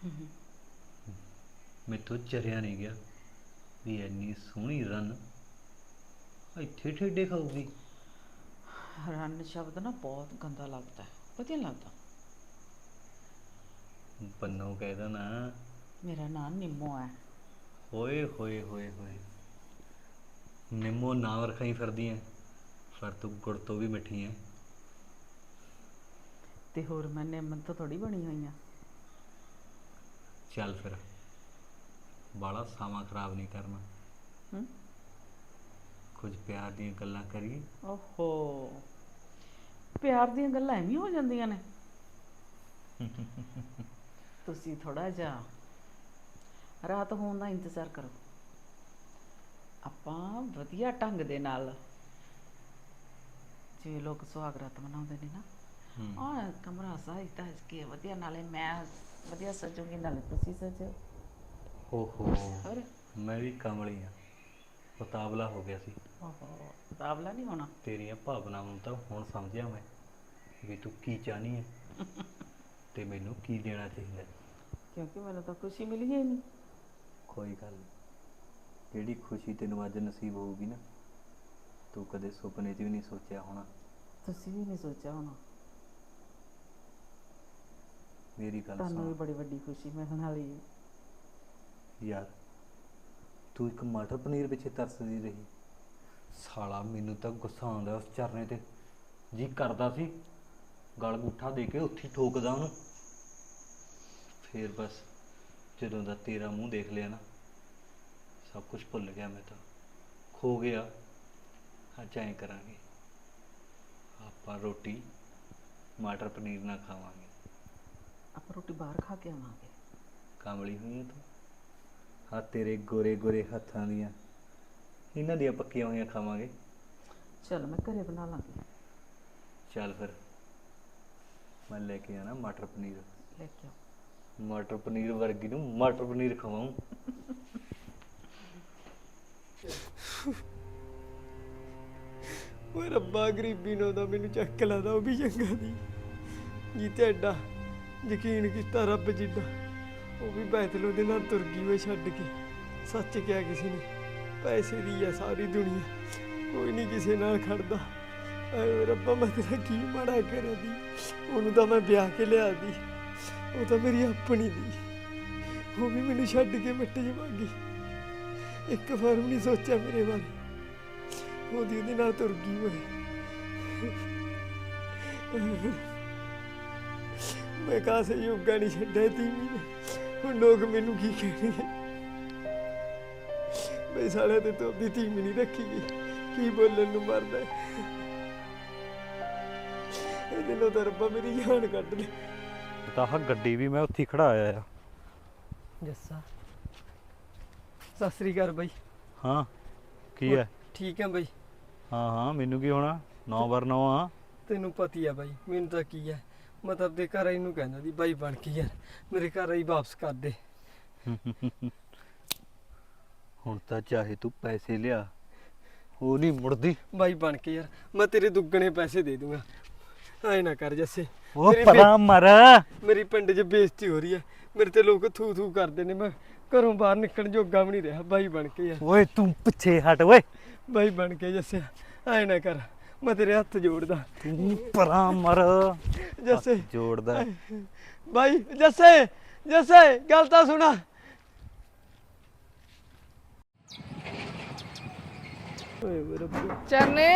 Speaker 3: ਮੈਥੋਂ ਚਰਿਆ ਨਹੀਂ ਗਿਆ ਵੀ ਇੰਨੀ ਸੋਹਣੀ ਰਨ ਇੱਥੇ ਠੇਡੇ ਖਾਊਗੀ।
Speaker 2: ਰਨ ਸ਼ਬਦ ਨਾ ਬਹੁਤ ਗੰਦਾ ਲੱਗਦਾ ਹੈ, ਵਧੀਆ ਲੱਗਦਾ।
Speaker 3: ਪੰਨੋਂ ਕਹਿਦਾ ਨਾ।
Speaker 2: ਮੇਰਾ ਨਾਮ ਨਿੰਮੋ ਹੈ।
Speaker 3: ਹੋਏ ਹੋਏ ਹੋਏ ਹੋਏ ਨਿੰਮੋ ਨਾਮ ਰਖਾਈ ਫਿਰਦੀ ਐ, ਪਰ ਤੂੰ ਗੁੜ ਤੋਂ ਵੀ ਮਿੱਠੀ ਐ।
Speaker 2: ਤੇ ਹੋਰ ਮੈਂ ਨਿੰਮ ਤੋਂ ਥੋੜੀ ਬਣੀ ਹੋਈ ਆ।
Speaker 3: ਚੱਲ ਫਿਰ ਬਾਲਾ ਸਮਾਂ ਖਰਾਬ ਨਹੀਂ ਕਰਨਾ,
Speaker 2: ਹੂੰ
Speaker 3: ਕੁਝ ਪਿਆਰ ਦੀਆਂ ਗੱਲਾਂ ਕਰੀਏ।
Speaker 2: ਓਹੋ, ਪਿਆਰ ਦੀਆਂ ਗੱਲਾਂ ਐਵੇਂ ਹੋ ਜਾਂਦੀਆਂ ਨੇ। ਤੁਸੀਂ ਥੋੜਾ ਜਿਹਾ ਰਾਤ ਹੋਣ ਦਾ ਇੰਤਜ਼ਾਰ ਕਰੋ, ਆਪਾਂ ਵਧੀਆ ਢੰਗ ਦੇ ਨਾਲ ਜਿਵੇਂ ਲੋਕ ਸੁਹਾਗ ਰਾਤ ਮਨਾਉਂਦੇ ਨੇ ਨਾ, ਆਹ ਕਮਰਾ ਸਾਜ ਤਜ ਕੇ ਵਧੀਆ, ਨਾਲੇ ਮੈਂ ਵਧੀਆ ਸਜੂਗੀ ਨਾਲੇ ਤੁਸੀਂ ਸਜੋ।
Speaker 3: ਓਹੋ
Speaker 2: ਹੋਰ
Speaker 3: ਮੈਂ ਵੀ ਕਮਲੀ ਆ, ਉਤਾਵਲਾ ਹੋ ਗਿਆ ਸੀ।
Speaker 2: ਓਹੋ ਮੁਕਾਬਲਾ ਨਹੀਂ ਹੋਣਾ।
Speaker 3: ਤੇਰੀਆਂ ਭਾਵਨਾਵਾਂ ਨੂੰ ਤਾਂ ਹੁਣ ਸਮਝਿਆ ਮੈਂ ਵੀ ਤੂੰ ਕੀ ਚਾਹਨੀ ਹੈ ਤੇ ਮੈਨੂੰ ਕੀ ਦੇਣਾ ਚਾਹੀਦਾ।
Speaker 2: ਕਿਉਂਕਿ ਮੈਨੂੰ ਤਾਂ ਖੁਸ਼ੀ ਮਿਲੀ ਹੀ ਨਹੀਂ।
Speaker 3: ਕੋਈ ਗੱਲ ਨਹੀਂ, ਜਿਹੜੀ ਖੁਸ਼ੀ ਤੈਨੂੰ ਅੱਜ ਨਸੀਬ ਹੋਊਗੀ ਨਾ, ਤੂੰ ਕਦੇ ਸੁਪਨੇ 'ਚ ਵੀ ਨਹੀਂ ਸੋਚਿਆ ਹੋਣਾ।
Speaker 2: ਤੁਸੀਂ ਵੀ ਨਹੀਂ ਸੋਚਿਆ ਹੋਣਾ।
Speaker 3: ਮੇਰੀ ਗੱਲ
Speaker 2: ਤੁਹਾਨੂੰ ਵੀ
Speaker 3: ਸੁਣ
Speaker 2: ਬੜੀ ਵੱਡੀ ਖੁਸ਼ੀ ਮਿਲਣ ਵਾਲੀ ਹੈ।
Speaker 3: ਯਾਰ, ਤੂੰ ਇੱਕ ਮਟਰ ਪਨੀਰ ਪਿੱਛੇ ਤਰਸਦੀ ਰਹੀ। ਸਾਲਾ ਮੈਨੂੰ ਤਾਂ ਗੁੱਸਾ ਆਉਂਦਾ ਉਸ ਚਰਨੇ ਤੇ, ਜੀ ਕਰਦਾ ਸੀ ਗਲ ਗੁੱਠਾ ਦੇ ਕੇ ਉੱਥੇ ਹੀ ਠੋਕਦਾ ਉਹਨੂੰ। ਫੇਰ ਬਸ ਜਦੋਂ ਦਾ ਤੇਰਾ ਮੂੰਹ ਦੇਖ ਲਿਆ ਨਾ, ਸਭ ਕੁਝ ਭੁੱਲ ਗਿਆ ਮੈਂ ਤਾਂ, ਖੋ ਗਿਆ। ਅੱਜ ਐਂ ਕਰਾਂਗੇ, ਆਪਾਂ ਰੋਟੀ ਮਟਰ ਪਨੀਰ ਨਾਲ ਖਾਵਾਂਗੇ।
Speaker 2: ਆਪਾਂ ਰੋਟੀ ਬਾਹਰ ਖਾ ਕੇ ਆਵਾਂਗੇ।
Speaker 3: ਕਾਮਲੀ ਹੋਈ ਹੈ ਤੂੰ। ਹਾਂ ਤੇਰੇ ਗੋਰੇ ਗੋਰੇ ਹੱਥਾਂ ਦੀਆਂ, ਇਹਨਾਂ ਦੀਆਂ ਪੱਕੀਆਂ ਹੋਈਆਂ ਖਾਵਾਂਗੇ।
Speaker 2: ਚਲ ਮੈਂ ਘਰੇ ਬਣਾ ਲਾਂਗੀ।
Speaker 3: ਚੱਲ ਫਿਰ ਮੈਂ ਲੈ ਕੇ ਆਣਾ ਮਟਰ ਪਨੀਰ।
Speaker 2: ਲੈ ਕੇ ਆਓ।
Speaker 3: ਮਟਰ ਪਨੀਰ ਵਰਗੀ ਨੂੰ ਮਟਰ ਪਨੀਰ ਖਵਾਉਂ।
Speaker 1: ਓਏ ਰੱਬਾ, ਗਰੀਬੀ ਨੂੰ ਤਾਂ ਮੈਨੂੰ ਚੱਕ ਲਾਦਾ, ਉਹ ਵੀ ਚੰਗਾ ਦੀ ਜੀ ਤੇ ਐਡਾ ਯਕੀਨ ਕੀਤਾ ਰੱਬ ਜਿੱਡਾ, ਉਹ ਵੀ ਬੈਤਲੋ ਦੇ ਨਾਲ ਤੁਰ ਗਈ ਓਏ ਛੱਡ ਕੇ। ਸੱਚ ਕਿਹਾ ਕਿਸੇ ਨੇ, ਪੈਸੇ ਦੀ ਆ ਸਾਰੀ ਦੁਨੀਆ, ਕੋਈ ਨਹੀਂ ਕਿਸੇ ਨਾਲ ਖੜਦਾ। ਐ ਰੱਬਾ, ਮੈਂ ਤੇਰਾ ਕੀ ਮਾੜਾ ਕਰਿਆ ਦੀ, ਉਹਨੂੰ ਤਾਂ ਮੈਂ ਵਿਆਹ ਕੇ ਲਿਆ ਦੀ, ਉਹ ਤਾਂ ਮੇਰੀ ਆਪਣੀ ਦੀ, ਉਹ ਵੀ ਮੈਨੂੰ ਛੱਡ ਕੇ ਮਿੱਟ ਜਾਵਾਂਗੀ। ਇੱਕ ਵਾਰ ਵੀ ਨਹੀਂ ਸੋਚਿਆ ਮੇਰੇ ਬਾਰੇ, ਉਹਦੀ ਉਹਦੇ ਨਾਲ ਤੁਰ ਗਈ ਓਏ। ਮੈਂ ਕਾਸੇ ਯੋਗਾ ਨਹੀਂ ਛੱਡਿਆ ਤੀਵੀਂ ਨੇ, ਹੁਣ ਲੋਕ ਮੈਨੂੰ ਕੀ ਕਹਿਣਗੇ? ਬਈ ਸਾਲੇ ਤੇ ਤੋਂ ਦੀ ਤੀਵੀਂ ਨਹੀਂ ਰੱਖੀ ਗਈ, ਕੀ ਬੋਲਣ ਨੂੰ ਮਰਦਾ ਹੈ। ਇਹਦੇ ਨਾਲ ਤਾਂ ਰੱਬਾ ਮੇਰੀ ਜਾਨ ਕੱਢ ਲੈ।
Speaker 3: ਤਾਂ ਆਹ ਗੱਡੀ ਵੀ ਮੈਂ ਉੱਥੇ ਖੜਾ ਆਇਆ ਆ।
Speaker 1: ਜੱਸਾ, ਸਤਿ ਸ੍ਰੀ ਅਕਾਲ ਬਾਈ।
Speaker 3: ਹਾਂ ਕੀ ਹੈ?
Speaker 1: ਠੀਕ ਹੈ ਬਾਈ।
Speaker 3: ਹਾਂ ਹਾਂ ਮੈਨੂੰ ਕੀ ਹੋਣਾ, ਨੌ ਬਰ ਨੌ ਆ।
Speaker 1: ਤੈਨੂੰ ਪਤੀ ਆ ਬਾਈ, ਮੈਨੂੰ ਤਾਂ ਕੀ ਹੈ, ਮੈਂ ਤਾਂ ਆਪਦੇ ਘਰ ਆਈ ਨੂੰ ਕਹਿੰਦਾ ਦੀ ਬਾਈ ਬਣ ਕੇ ਯਾਰ ਮੇਰੇ ਘਰ ਆਈ ਵਾਪਸ ਕਰ ਦੇ।
Speaker 3: ਹੁਣ ਤਾਂ ਚਾਹੇ ਤੂੰ ਪੈਸੇ ਲਿਆ, ਉਹ ਨਹੀਂ ਮੁੜਦੀ।
Speaker 1: ਬਾਈ ਬਣ ਕੇ ਯਾਰ ਮੈਂ ਤੇਰੇ ਦੁੱਗਣੇ ਪੈਸੇ ਦੇ ਦੂੰਗਾ, ਐ ਨਾ ਕਰ ਜੱਸੇ।
Speaker 3: ਉਹ
Speaker 1: ਮੇਰੀ
Speaker 3: ਪਰਾਂ ਮਰ।
Speaker 1: ਮੇਰੀ ਪਿੰਡ 'ਚ ਬੇਇੱਜ਼ਤੀ ਹੋ ਰਹੀ ਹੈ, ਮੇਰੇ ਤੇ ਲੋਕ ਥੂ ਥੂ ਕਰਦੇ ਨੇ, ਮੈਂ ਘਰੋਂ ਬਾਹਰ ਨਿਕਲਣ ਜੋਗਾ ਵੀ ਨਹੀਂ ਰਿਹਾ। ਬਾਈ ਬਣ ਕੇ ਯਾਰ,
Speaker 3: ਓਏ ਤੂੰ ਪਿੱਛੇ ਹਟ ਓਏ।
Speaker 1: ਬਾਈ ਬਣ ਕੇ ਜੱਸੇ ਐ ਨਾ ਕਰ, ਮੈਂ ਤੇਰੇ ਹੱਥ ਜੋੜਦਾ।
Speaker 3: ਤੂੰ ਪਰਾਂ ਮਰ।
Speaker 1: ਜੱਸੇ
Speaker 3: ਜੋੜਦਾ
Speaker 1: ਬਾਈ, ਜੱਸੇ ਜੱਸੇ ਗੱਲ ਤਾਂ ਸੁਣਾ। ਓਏ ਮੇਰੇ ਰੱਬਾ।
Speaker 4: ਚਰਨੇ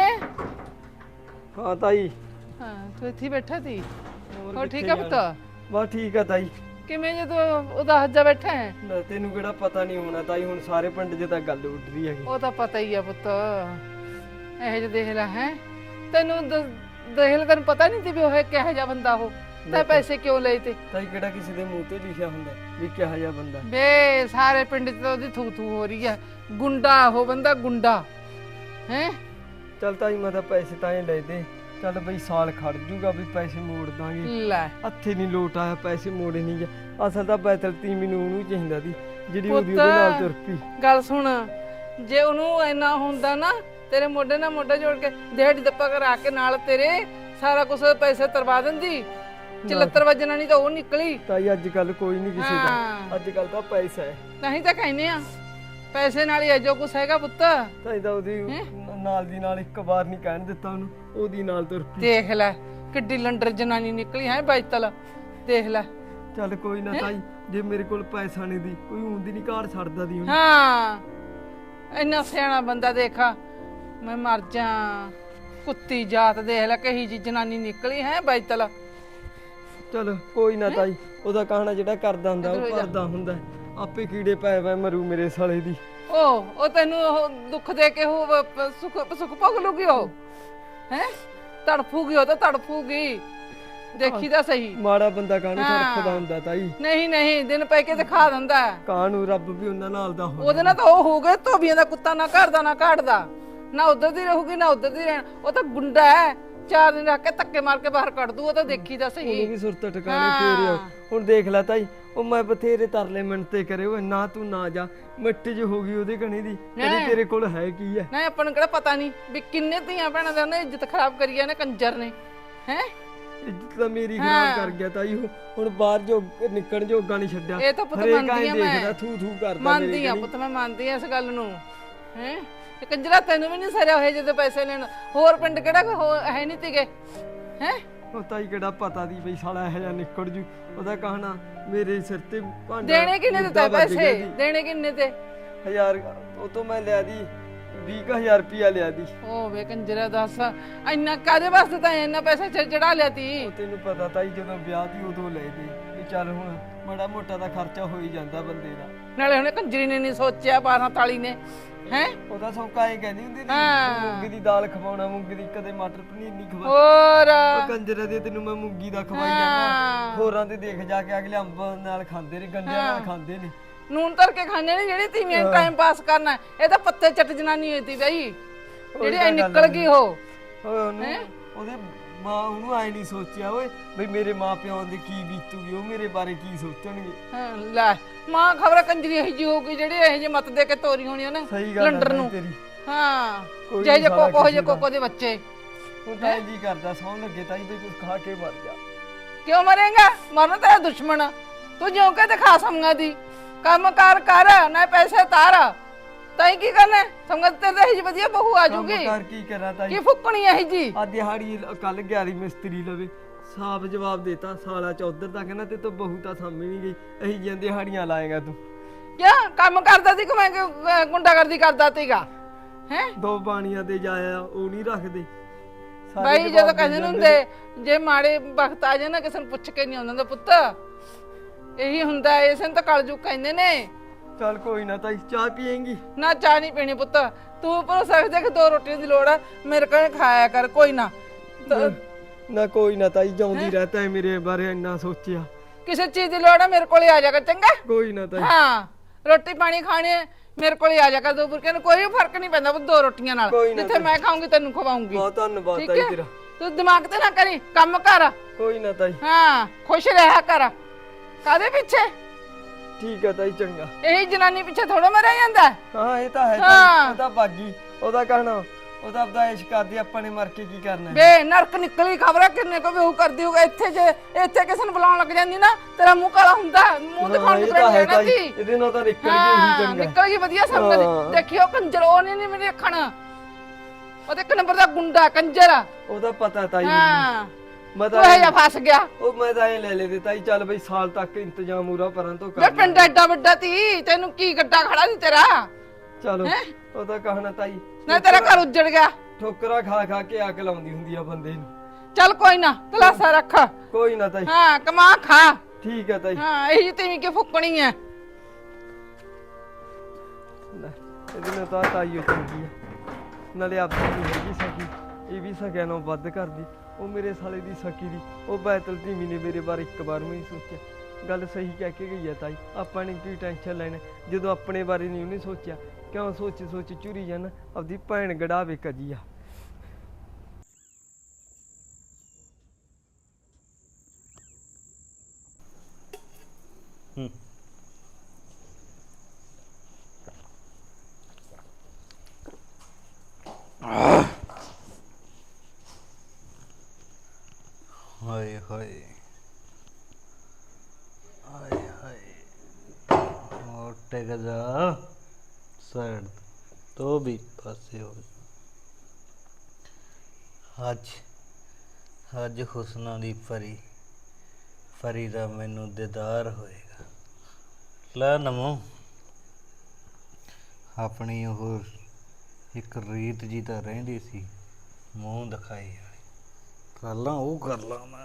Speaker 1: ਹਾਂ ਤਾਈ।
Speaker 4: ਹਾਂ ਤੂੰ ਇੱਥੇ ਹੀ ਬੈਠਾ ਸੀ
Speaker 1: ਹੋਰ
Speaker 4: ਹੋ
Speaker 1: ਕਿੱਥੇ
Speaker 4: ਠੀਕ ਆ
Speaker 1: ਜਾਣਾ?
Speaker 4: ਪੁੱਤ
Speaker 1: ਬਸ ਠੀਕ ਆ ਤਾਈ।
Speaker 4: ਕਿਵੇਂ ਜੇ ਤੂੰ ਉਹਦਾ ਹੱਜਾ ਬੈਠਾ ਹੈ
Speaker 1: ਨਾ ਤੈਨੂੰ ਕਿਹੜਾ ਪਤਾ ਨਹੀਂ ਹੋਣਾ ਤਾਈ, ਹੁਣ ਸਾਰੇ ਪਿੰਡ 'ਚ ਤਾਂ ਗੱਲ ਉੱਡ ਰਹੀ ਹੈਗੀ।
Speaker 4: ਉਹ ਤਾਂ ਪਤਾ ਹੀ ਆ ਪੁੱਤ ਇਹੋ ਜਿਹਾ ਦੇਖ ਲੈ ਹੈ ਤੈਨੂੰ ਦ- ਦੇਖ ਲੈ ਤੈਨੂੰ ਪਤਾ ਨਹੀਂ ਸੀ ਵੀ ਉਹ ਕਿਹੋ ਜਿਹਾ ਬੰਦਾ ਉਹ ਤਾਂ ਪੈਸੇ ਕਿਉਂ ਲਏ ਤੇ
Speaker 1: ਤਾਈ ਕਿਹੜਾ ਕਿਸੇ ਦੇ ਮੂੰਹ ਤੇ ਲਿਖਿਆ ਹੁੰਦਾ ਵੀ ਕਿਹੋ ਜਿਹਾ ਬੰਦਾ।
Speaker 4: ਬੇ ਸਾਰੇ ਪਿੰਡ 'ਚ ਤਾਂ ਉਹਦੀ ਥੂ ਥੂ ਹੋ ਰਹੀ ਆ ਗੁੰਡਾ ਉਹ ਬੰਦਾ ਗੁੰਡਾ ਹੈ
Speaker 1: ਚੱਲ ਤਾਈ ਮੈਂ ਤਾਂ ਪੈਸੇ ਤਾਂ ਹੀ ਲੈ ਦੇ, ਚੱਲ ਬਈ ਸਾਲ ਖੜ ਜੂਗਾ ਵੀ ਪੈਸੇ ਮੋੜ ਦਾਂਗੇ।
Speaker 4: ਲੈ
Speaker 1: ਹੱਥੇ ਨਹੀਂ ਲੋਟ ਆਇਆ, ਪੈਸੇ ਮੋੜੇ ਨਹੀਂ ਗਿਆ। ਅਸਲ ਤਾਂ ਬੈਤਲ ਤੀ ਮੈਨੂੰ ਉਹਨੂੰ ਚਾਹੀਦਾ ਸੀ ਜਿਹੜੀ
Speaker 4: ਪੁੱਤ,
Speaker 1: ਉਹਦੀ ਉਹਦੇ ਨਾਲ ਤੁਰ ਪਈ।
Speaker 4: ਗੱਲ ਸੁਣ ਜੇ ਉਹਨੂੰ ਇੰਨਾ ਹੁੰਦਾ ਨਾ ਤੇਰੇ ਮੋਢੇ ਨਾਲ ਮੋਢਾ ਜੋੜ ਕੇ ਦਿਹਾੜੀ ਦੱਪਾ ਕਰਾ ਕੇ ਨਾਲ ਤੇਰੇ ਸਾਰਾ ਕੁਝ ਪੈਸੇ ਤਰਵਾ ਦਿੰਦੀ ਚਲੱਤਰ ਵਜਣਾ ਨਹੀਂ ਤਾਂ ਉਹ ਨਿਕਲੀ।
Speaker 1: ਤਾਈ ਅੱਜ ਕੱਲ ਕੋਈ ਨਹੀਂ ਕਿਸੇ ਦਾ,
Speaker 4: ਹਾਂ।
Speaker 1: ਅੱਜ ਕੱਲ ਤਾਂ ਪੈਸਾ ਹੈ।
Speaker 4: ਨਹੀਂ ਤਾਂ ਕਹਿੰਦੇ ਆ ਪੈਸੇ ਨਾਲ ਹੀ ਜੋ ਕੁਛ ਹੈਗਾ ਪੁੱਤ।
Speaker 1: ਤਾਈ ਤਾਂ ਉਹਦੀ ਨਾਲ ਦੀ ਨਾਲ ਇੱਕ ਵਾਰ ਨਹੀਂ ਕਹਿਣ ਦਿੱਤਾ ਉਹਨੂੰ, ਉਹਦੀ ਨਾਲ ਤੁਰ ਪਈ।
Speaker 4: ਦੇਖ ਲੈ ਕਿੱਡੀ ਲੰਡਰ ਜਨਾਨੀ ਨਿਕਲੀ ਹੈ ਬੈਤਲ ਦੇਖ ਲੈ।
Speaker 1: ਚੱਲ ਕੋਈ ਨਾ ਤਾਈ, ਜੇ ਮੇਰੇ ਕੋਲ ਪੈਸਾ ਨਹੀਂ ਦੀ ਕੋਈ ਉਂਦੀ ਨਹੀਂ ਘਾੜ ਛੱਡਦਾ ਦੀ ਉਹਨੂੰ।
Speaker 4: ਹਾਂ ਇੰਨਾ ਸਿਆਣਾ ਬੰਦਾ ਦੇਖਾ ਮੈਂ ਮਰ ਜਾ ਕੁੱਤੀ ਜਾਤ ਦੇਖ ਲੈ ਕਹੀ ਜੀ ਜਨਾਨੀ ਨਿਕਲੀ ਹੈ ਬੈਤਲ।
Speaker 1: ਚਲ ਕੋਈ ਨਾ ਤਾਈ, ਉਹਦਾ ਕਹਾਣਾ ਜਿਹੜਾ ਕਰਦਾ ਹੁੰਦਾ
Speaker 4: ਇੱਧਰ
Speaker 1: ਉਹ
Speaker 4: ਹੋ ਜਾ।
Speaker 1: ਕਰਦਾ ਹੁੰਦਾ। ਆਪੇ ਕੀੜੇ ਪੈ ਪੈ ਮਰੂ ਮੇਰੇ ਸਾਲੇ ਦੀ।
Speaker 4: ਉਹ ਉਹ ਤੈਨੂੰ ਉਹ ਦੁੱਖ ਦੇ ਕੇ ਉਹ ਪ- ਸੁੱਖ ਸੁੱਖ ਭੋਗ ਲੂਗੀ ਉਹ ਹੈ ਤੜਫੂਗੀ ਉਹ ਤਾਂ ਤੜਫੂਗੀ ਦੇਖੀ ਤਾਂ ਸਹੀ।
Speaker 1: ਮਾੜਾ ਬੰਦਾ ਕਾਹਨੂੰ
Speaker 4: ਹਾਂ।
Speaker 1: ਤੜਫਦਾ ਹੁੰਦਾ ਤਾਈ,
Speaker 4: ਨਹੀਂ ਨਹੀਂ ਦਿਨ ਪੈ ਕੇ ਦਿਖਾ ਦਿੰਦਾ ਹੈ।
Speaker 1: ਕਾਹਨੂੰ ਰੱਬ ਵੀ ਉਹਨਾਂ ਨਾਲ ਦਾ ਹੋ।
Speaker 4: ਉਹਦੇ ਨਾਲ ਤਾਂ ਉਹ ਹੋ ਗਏ ਧੋਬੀਆਂ ਦਾ ਕੁੱਤਾ ਨਾ ਘਰ ਦਾ ਨਾ ਘਾੜਦਾ ਨਾ ਉਧਰ ਦੀ ਰਹੂਗੀ ਨਾ ਉਧਰ ਦੀ ਰਹਿਣ। ਉਹ ਤਾਂ ਗੁੰਡਾ ਹੈ ਚਾਰ ਦਿਨ ਰੱਖ ਕੇ ਧੱਕੇ ਮਾਰ ਕੇ ਬਾਹਰ ਕੱਢ ਦੂ ਉਹ ਤਾਂ ਦੇਖੀ ਤਾਂ
Speaker 1: ਉਹਨੂੰ
Speaker 4: ਸਹੀ।
Speaker 1: ਵੀ ਸੁਰਤ ਟਿਕਾਣੇ ਫੇਰ ਆਓ। ਹੁਣ ਦੇਖ ਲੈ ਤਾਈ, ਉਹ ਮੈਂ ਬਥੇਰੇ ਤਰਲੇ ਮਿੰਟੇ ਕਰੇ ਓਏ ਨਾ ਤੂੰ ਨਾ ਜਾ, ਮਿੱਟੀ ਚ ਹੋ ਗਈ ਉਹਦੇ ਕਣੀ ਦੀ। ਕਹਿੰਦੀ ਤੇਰੇ ਕੋਲ ਹੈ ਕੀ ਹੈ?
Speaker 4: ਨਾ ਆਪਾਂ ਨੂੰ ਕਿਹੜਾ ਪਤਾ ਨਹੀਂ ਵੀ ਕਿੰਨੇ ਧੀਆਂ ਭੈਣਾਂ ਦੇ ਉਹਨੇ ਇੱਜ਼ਤ ਖਰਾਬ ਕਰੀ ਆ ਨੇ ਕੰਜਰ ਨੇ ਹੈ।
Speaker 1: ਇੱਜ਼ਤ ਤਾਂ ਮੇਰੀ ਖਰਾਬ ਕਰ ਗਿਆ ਤਾਈ ਉਹ। ਹੁਣ ਬਾਹਰ ਜੋ ਨਿਕਲਣ ਜੋਗਾ ਨਹੀਂ ਛੱਡਿਆ।
Speaker 4: ਇਹ ਤਾਂ ਪੁੱਤ
Speaker 1: ਹਰੇਕ
Speaker 4: ਮੰਨਦੀ
Speaker 1: ਐਂ
Speaker 4: ਆ ਮੈਂ।
Speaker 1: ਦੇਖਦਾ ਥੂ ਥੂ ਕਰਦਾ
Speaker 4: ਮੰਨਦੀ ਆ ਪੁੱਤ ਮੈਂ ਮੰਨਦੀ ਆ ਇਸ ਗੱਲ ਨੂੰ ਹੈ। ਇਹ ਕੰਜਰਾ ਤੈਨੂੰ ਵੀ ਨਹੀਂ ਸਰਿਆ ਹੋਏ ਜਦੋਂ ਪੈਸੇ ਲੈਣ ਹੋਰ ਪਿੰਡ ਕਿਹੜਾ ਕੋਈ ਹੋਰ ਹੈ ਨਹੀਂ ਤੀਗੇ ਹੈ।
Speaker 1: ਉਹ ਤਾਈ ਕਿਹੜਾ ਪਤਾ ਦੀ ਬਈ ਸਾਲਾ ਇਹੋ ਜਿਹਾ ਨਿਕਲ ਜੂ। ਉਹਦਾ ਕਹਣਾ ਮੇਰੇ ਸਿਰ ਤੇ ਭਾਂਡਾ
Speaker 4: ਦੇਣੇ ਕਿੰਨੇ ਦਿੱਤੇ
Speaker 1: ਮੁੱਦਾ ਵੱਜ ਗਿਆ
Speaker 4: ਪੈਸੇ
Speaker 1: ਜੀ।
Speaker 4: ਦੇਣੇ ਕਿੰਨੇ ਤੇ
Speaker 1: ਹਜ਼ਾਰ ਉਹ ਤੋਂ ਮੈਂ ਲਿਆ ਦੀ ਵੀਹ ਕੁ ਹਜ਼ਾਰ ਰੁਪਿਆ ਲਿਆ ਦੀ।
Speaker 4: ਓ ਵੇ ਕੰਜਰਾ ਦੱਸ ਇੰਨਾ ਕਾਦੇ ਵਾਸਤੇ ਤਾਂ ਇੰਨਾ ਪੈਸਾ ਚੜ ਚੜਾ ਲਿਆ ਤੀ।
Speaker 1: ਉਹ ਤੈਨੂੰ ਪਤਾ ਤਾਈ ਜਦੋਂ ਵਿਆਹ ਦੀ ਉਦੋਂ ਲੈ ਦੇ ਵੀ ਚੱਲ ਹੁਣ ਮਾੜਾ ਮੋਟਾ ਦਾ ਖਰਚਾ ਹੋ ਹੀ ਜਾਂਦਾ ਬੰਦੇ ਦਾ।
Speaker 4: ਨਾਲੇ ਉਹਨੇ ਕੰਜਰੀ ਨੇ ਨਹੀਂ ਸੋਚਿਆ ਬਾਰਾਂ ਤਾਲੀ ਨੇ ਹੈ।
Speaker 1: ਉਹਦਾ ਸੌਕਾ ਇਹ ਕਹਿੰਦੀ ਹੁੰਦੀ ਸੀ
Speaker 4: ਹਾਂ।
Speaker 1: ਮੂੰਗੀ ਦੀ ਦਾਲ ਖਵਾਉਣਾ, ਮੂੰਗੀ ਦੀ ਕਦੇ ਮਟਰ ਪਨੀਰ ਨਹੀਂ ਖਵਾ।
Speaker 4: ਹੋਰ
Speaker 1: ਉਹ ਕੰਜਰਾ ਦੇ ਤੈਨੂੰ ਮੈਂ ਮੂੰਗੀ ਦਾ ਖਵਾਈ ਜਾਂਦਾ।
Speaker 4: ਹਾਂ।
Speaker 1: ਹੋਰਾਂ ਦੇ ਦੇਖ ਜਾ ਕੇ ਅਗਲੇ ਅੰਬ ਨਾਲ ਖਾਂਦੇ ਨੇ, ਗੰਢਿਆਂ ਨਾਲ ਖਾਂਦੇ ਨੇ।
Speaker 4: ਨੂਨ ਧਰ ਕੇ ਖਾਣੇ ਨੇ ਜਿਹੜੀ ਤੀਵੀਆਂ ਟਾਈਮ ਪਾਸ ਕਰਨਾ ਇਹ ਤਾਂ ਪੱਤੇ ਚੱਟ ਜਨਾਨੀ ਹੋਈ ਤੀ ਬਈ ਜਿਹੜੀ ਐ ਨਿਕਲ ਗਈ ਉਹ।
Speaker 1: ਓਏ ਉਹਨੂੰ ਉਹਦੇ ਮਾਂ ਉਹਨੂੰ ਐ ਨਹੀਂ ਸੋਚਿਆ ਓਏ ਬਈ ਮੇਰੇ ਮਾਂ ਪਿਓ ਦੇ ਕੀ ਬੀਤੂਗੀ, ਉਹ ਮੇਰੇ ਬਾਰੇ ਕੀ ਸੋਚਣਗੇ।
Speaker 4: ਹਾਂ, ਲੈ ਮਾਂ ਖਬਰ ਕੰਜਰੀ ਇਹੀ ਜੀ ਹੋਊਗੀ ਜਿਹੜੀ ਇਹ ਜੇ ਮਤ ਦੇ ਕੇ ਤੋਰੀ ਹੋਣੀ ਉਹਨੇ
Speaker 1: ਸਹੀ ਗੱਲ
Speaker 4: ਲੰਡਰ
Speaker 1: ਹੈ
Speaker 4: ਨੂੰ।
Speaker 1: ਤੇਰੀ।
Speaker 4: ਹਾਂ
Speaker 1: ਕੋਈ
Speaker 4: ਜੇ
Speaker 1: ਨੀ
Speaker 4: ਜੇ
Speaker 1: ਸਾਲਾ
Speaker 4: ਕੋਕੋ ਜੇ
Speaker 1: ਕਿਸੇ ਦਾ।
Speaker 4: ਕੋਕੋ ਦੇ ਬੱਚੇ
Speaker 1: ਹੁਣ ਤਾਂ ਇੰਜ ਹੀ ਕਰਦਾ ਸੌਂ ਲੱਗੇ ਤਾਈ ਬਈ ਕੁਝ ਖਾ ਕੇ ਮਰ ਜਾ।
Speaker 4: ਕਿਉਂ ਮਰੇਗਾ ਮਰਨ ਤੇਰਾ ਦੁਸ਼ਮਣ ਤੂੰ ਜਿਉਂ ਕੇ ਦਿਖਾ ਸਮਗਾ ਦੀ ਕੰਮ ਕਾਰ ਕਰ ਨਾ ਪੈਸੇ ਤਾਰ ਤਾਈ ਕੀ ਕਰਨਾ ਸਮਗਾ ਤੇ ਇਹ ਜੀ ਵਧੀਆ ਬਹੂ ਆ
Speaker 1: ਕੰਮ
Speaker 4: ਜੂਗੀ
Speaker 1: ਕਰ ਕੀ ਕਰਾਂ ਤਾਈ?
Speaker 4: ਕੀ ਫੁੱਕਣੀ ਇਹ ਜੀ
Speaker 1: ਆ ਦਿਹਾੜੀ ਕੱਲ ਗਿਆਰੀ ਮਿਸਤਰੀ ਲਵੇ ਸਾਫ ਜਵਾਬ ਦੇਤਾ ਸਾਲਾ ਚੌਧਰ ਦਾ ਕਹਿੰਦਾ ਤੇ ਤੂੰ ਬਹੂ ਤਾਂ ਸਾਹਮਣੇ ਨਹੀਂ ਗਈ, ਅਹੀ ਜਿਹੀਆਂ ਦਿਹਾੜੀਆਂ ਲਾਏਗਾ ਤੂੰ।
Speaker 4: ਕਿਆ ਕੰਮ ਕਰਦਾ ਸੀ ਕਿ ਮੈਂ ਗੁੰਡਾਗਰਦੀ ਕਰਦਾ ਸੀਗਾ ਹੈ।
Speaker 1: ਦੋ ਬਾਣੀਆਂ ਤੇ ਜਾਇਆ ਉਹ ਨਹੀਂ ਰੱਖਦੇ ਸਾਰੇ
Speaker 4: ਬਾਈ
Speaker 1: ਜਵਾਬ
Speaker 4: ਜਦੋਂ
Speaker 1: ਦੇ
Speaker 4: ਕਹਿੰਦੇ
Speaker 1: ਜਾਂਦੇ
Speaker 4: ਹੁੰਦੇ ਜੇ ਮਾੜੇ ਵਕਤ ਆ ਜਾਏ ਨਾ ਕਿਸੇ ਨੂੰ ਪੁੱਛ ਕੇ ਨਹੀਂ ਆਉਂਦਾ ਹੁੰਦਾ ਪੁੱਤ ਇਹੀ ਹੁੰਦਾ ਇਸੇ ਨੂੰ ਤਾਂ ਕਲਜੂ ਕਹਿੰਦੇ ਨੇ।
Speaker 1: ਚੱਲ ਕੋਈ ਨਾ ਤਾਈ, ਚਾਹ ਪੀਏਂਗੀ?
Speaker 4: ਨਾ ਚਾਹ ਨਹੀਂ ਪੀਣੀ ਪੁੱਤ ਤੂੰ ਪਰ ਸਕਦੇ ਕਿ ਦੋ ਰੋਟੀਆਂ ਦੀ ਲੋੜ ਆ ਮੇਰੇ ਕੋਲ ਖਾਇਆ ਕਰ ਕੋਈ ਨਾ ਤ-
Speaker 1: ਨਾ ਕੋਈ ਨਾ ਤਾਈ, ਜਾਉਂਦੀ ਰਹਤਾ ਹੈ ਮੇਰੇ ਬਾਰੇ ਇੰਨਾ ਸੋਚਿਆ।
Speaker 4: ਕਿਸੇ ਚੀਜ਼ ਦੀ ਲੋੜ ਆ ਮੇਰੇ ਕੋਲ ਆ ਜਾ ਕਰ ਚੰਗਾ।
Speaker 1: ਕੋਈ ਨਾ ਤਾਈ।
Speaker 4: ਹਾਂ ਰੋਟੀ ਪਾਣੀ ਖਾਣੇ ਮੇਰੇ ਕੋਲ ਆ ਜਾ ਕਰ ਦੋ ਬੁਰਕੇ ਨੂੰ ਕੋਈ ਫਰਕ ਨਹੀਂ ਪੈਂਦਾ ਪੁੱਤ ਦੋ ਰੋਟੀਆਂ ਨਾਲ
Speaker 1: ਕੋਈ ਨਾ
Speaker 4: ਜਿੱਥੇ ਮੈਂ ਖਾਉਂਗੀ ਤੈਨੂੰ ਖਵਾਉਂਗੀ
Speaker 1: ਬਹੁਤ ਧੰਨਵਾਦ
Speaker 4: ਠੀਕ
Speaker 1: ਤਾਈ
Speaker 4: ਹੈ
Speaker 1: ਤੇਰਾ।
Speaker 4: ਤੂੰ ਦਿਮਾਗ ਤੇ ਨਾ ਕਰੀ ਕੰਮ ਕਰ
Speaker 1: ਕੋਈ ਨਾ ਤਾਈ।
Speaker 4: ਹਾਂ ਖੁਸ਼ ਰਹਿਆ ਕਰ ਕਾਦੇ ਪਿੱਛੇ
Speaker 1: ਠੀਕ ਹੈ ਤਾਈ, ਚੰਗਾ।
Speaker 4: ਇਹੀ ਜਨਾਨੀ ਪਿੱਛੇ ਥੋੜਾ ਮਰਿਆ ਜਾਂਦਾ ਹੈ।
Speaker 1: ਹਾਂ ਇਹ ਤਾਂ ਹੈ
Speaker 4: ਹਾਂ।
Speaker 1: ਤਾਈ, ਉਹ ਤਾਂ ਬਾਗੀ ਉਹਦਾ ਕਹਿਣਾ ਉਹਦਾ ਆਪਦਾ ਐਸ਼ ਕਰਦੀ, ਆਪਾਂ ਨੇ ਮਰ ਕੇ ਕੀ ਕਰਨਾ ਹੈ?
Speaker 4: ਬੇ ਨਰਕ ਨਿਕਲੀ ਖਬਰ ਕਿੰਨੇ ਕੋ ਬੇਹੂ ਕਰਦੀ ਹੋਗਾ ਇੱਥੇ ਜੇ ਇੱਥੇ ਕਿਸੇ ਨੂੰ ਬੁਲਾਉਣ ਲੱਗ ਜਾਂਦੀ ਨਾ ਤੇਰਾ ਮੂੰਹ ਕਾਲਾ ਹੁੰਦਾ ਮੂੰਹ ਦਿਖਾਉਣ
Speaker 1: ਹਾਂ,
Speaker 4: ਦੀ
Speaker 1: ਇਹ ਤਾਂ ਹੈ
Speaker 4: ਪ੍ਰੇਮ ਨਾ
Speaker 1: ਤਾਈ,
Speaker 4: ਜੀ
Speaker 1: ਇਹਦੇ ਨਾਲ ਤਾਂ ਨਿਕਲ ਗਈ
Speaker 4: ਹਾਂ
Speaker 1: ਉਹੀ ਚੰਗਾ।
Speaker 4: ਨਿਕਲ ਗਈ ਵਧੀਆ ਸਮਝ
Speaker 1: ਹਾਂ।
Speaker 4: ਦੇਖਿਓ ਕੰਜਰ ਉਹ ਨਹੀਂ ਮੇਰੇ ਅੱਖਣ ਉਹ ਤੇ ਇੱਕ ਨੰਬਰ ਦਾ ਗੁੰਡਾ ਕੰਜਰ ਆ।
Speaker 1: ਉਹਦਾ ਪਤਾ ਤਾਈ ਮੈਨੂੰ।
Speaker 4: ਹਾਂ
Speaker 1: ਮੈਂ
Speaker 4: ਤੂੰ
Speaker 1: ਤਾਂ
Speaker 4: ਇਹ ਜਾ ਫਸ ਗਿਆ
Speaker 1: ਉਹ ਮੈਂ ਤਾਂ ਇਹ ਲੈ ਲੈ ਦਿੱਤਾ ਹੀ, ਚੱਲ ਬਈ ਸਾਲ ਤੱਕ ਇੰਤਜ਼ਾਮ ਪੂਰਾ ਪਰਾਂ ਤੋਂ
Speaker 4: ਵੇ
Speaker 1: ਕਰ
Speaker 4: ਪਿੰਡ ਐਡਾ ਵੱਡਾ ਤੀ ਤੈਨੂੰ ਕੀ ਗੱਡਾ ਖੜਾ ਸੀ ਤੇਰਾ
Speaker 1: ਚਲੋ ਉਹਦਾ ਕਹਿਣਾ ਤਾਈ
Speaker 4: ਨਾ ਤੇਰਾ ਘਰ ਉੱਜੜ ਗਿਆ।
Speaker 1: ਠੋਕਰਾ ਖਾ ਖਾ ਕੇ ਅੱਗ ਲਾਉਂਦੀ ਹੁੰਦੀ ਆ ਬੰਦੇ ਨੂੰ।
Speaker 4: ਚੱਲ ਕੋਈ ਨਾ ਤਲਾਸਾ ਰੱਖ।
Speaker 1: ਕੋਈ ਨਾ ਤਾਈ,
Speaker 4: ਹਾਂ ਕਮਾ ਖਾ।
Speaker 1: ਠੀਕ ਹੈ ਤਾਈ।
Speaker 4: ਹਾਂ ਇਹੀ ਤੇਵੀਂ ਕਿ ਫੁੱਕਣੀ ਐ।
Speaker 1: ਲੈ, ਇਹਦੇ ਨਾਲ ਤਾਂ ਤਾਈ ਓ ਚੰਗੀ ਆ, ਨਾਲੇ ਆਪਦੀ ਨਹੀਂ ਹੈਗੀ ਸਕੀ, ਇਹ ਵੀ ਸਕਿਆ ਨਾਲੋਂ ਵੱਧ ਕਰਦੀ। ਉਹ ਮੇਰੇ ਸਾਲੇ ਦੀ ਸਕੀ ਦੀ ਉਹ ਬੈਤਲ ਧੀਮੀ ਨੇ ਮੇਰੇ ਬਾਰੇ ਇੱਕ ਵਾਰ ਵੀ ਨਹੀਂ ਸੋਚਿਆ। ਗੱਲ ਸਹੀ ਕਹਿ ਕੇ ਗਈ ਆ ਤਾਈ, ਆਪਾਂ ਨੇ ਕੀ ਟੈਨਸ਼ਨ ਲੈਣਾ ਜਦੋਂ ਆਪਣੇ ਬਾਰੇ ਨਹੀਂ ਉਹਨੇ ਸੋਚਿਆ। ਕਿਉਂ ਸੋਚ ਸੋਚ ਚੁਰੀ ਜਾਣਾ, ਆਪਦੀ ਭੈਣ ਗੜਾਵੇ ਕਜੀ ਆ।
Speaker 3: ਹੂੰ ਹਾਏ ਹਾਏ ਹਾਏ ਹਾਏ ਹੋਰ ਟਿਕ ਜਾ ਸਾਈਡ ਤੋਂ ਵੀ ਪਾਸੇ ਹੋ ਜਾ। ਅੱਜ ਅੱਜ ਹੁਸਨਾਂ ਦੀ ਪਰੀ ਪਰੀ ਦਾ ਮੈਨੂੰ ਦੀਦਾਰ ਹੋਏਗਾ। ਲੈ ਨਮੋ ਆਪਣੀ ਉਹ ਇੱਕ ਰੀਤ ਜੀ ਤਾਂ ਰਹਿੰਦੀ ਸੀ ਮੂੰਹ ਦਿਖਾਈ ਵਾਲੀ, ਕਰ ਲਾਂ ਉਹ ਕਰ ਲਾਂ ਮੈਂ।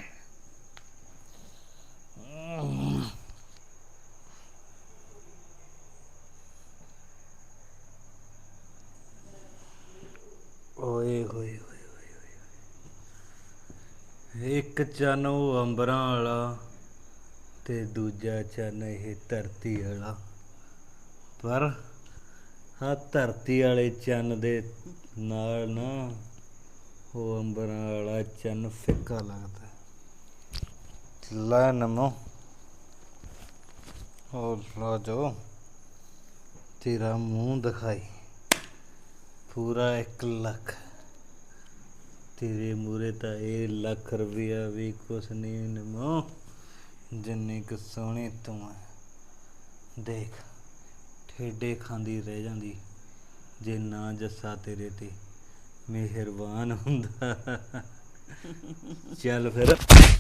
Speaker 3: ਓਏ ਹੋਏ ਹੋਏ ਹੋਏ ਹੋਏ, ਇੱਕ ਚੰਨ ਉਹ ਅੰਬਰਾਂ ਵਾਲਾ ਤੇ ਦੂਜਾ ਚੰਨ ਇਹ ਧਰਤੀ ਵਾਲਾ। ਪਰ ਆ ਧਰਤੀ ਵਾਲੇ ਚੰਨ ਦੇ ਨਾਲ ਨਾ ਉਹ ਅੰਬਰਾਂ ਵਾਲਾ ਚੰਨ ਫਿੱਕਾ ਲੱਗਦਾ। ਲੈ ਨਮੋ ਉਹ ਰਾਜੋ ਤੇਰਾ ਮੂੰਹ ਦਿਖਾਈ ਪੂਰਾ ਇੱਕ ਲੱਖ। ਤੇਰੇ ਮੂਰੇ ਤਾਂ ਇਹ ਲੱਖ ਰੁਪਇਆ ਵੀ ਕੁਛ ਨਹੀਂ ਨਮੋ, ਜਿੰਨੀ ਕੁ ਸੋਹਣੀ ਤੂੰ ਹੈ। ਦੇਖ ਠੇਡੇ ਖਾਂਦੀ ਰਹਿ ਜਾਂਦੀ ਜੇ ਨਾ ਜੱਸਾ ਤੇਰੇ ਤੇ ਮਿਹਰਬਾਨ ਹੁੰਦਾ। ਚੱਲ ਫਿਰ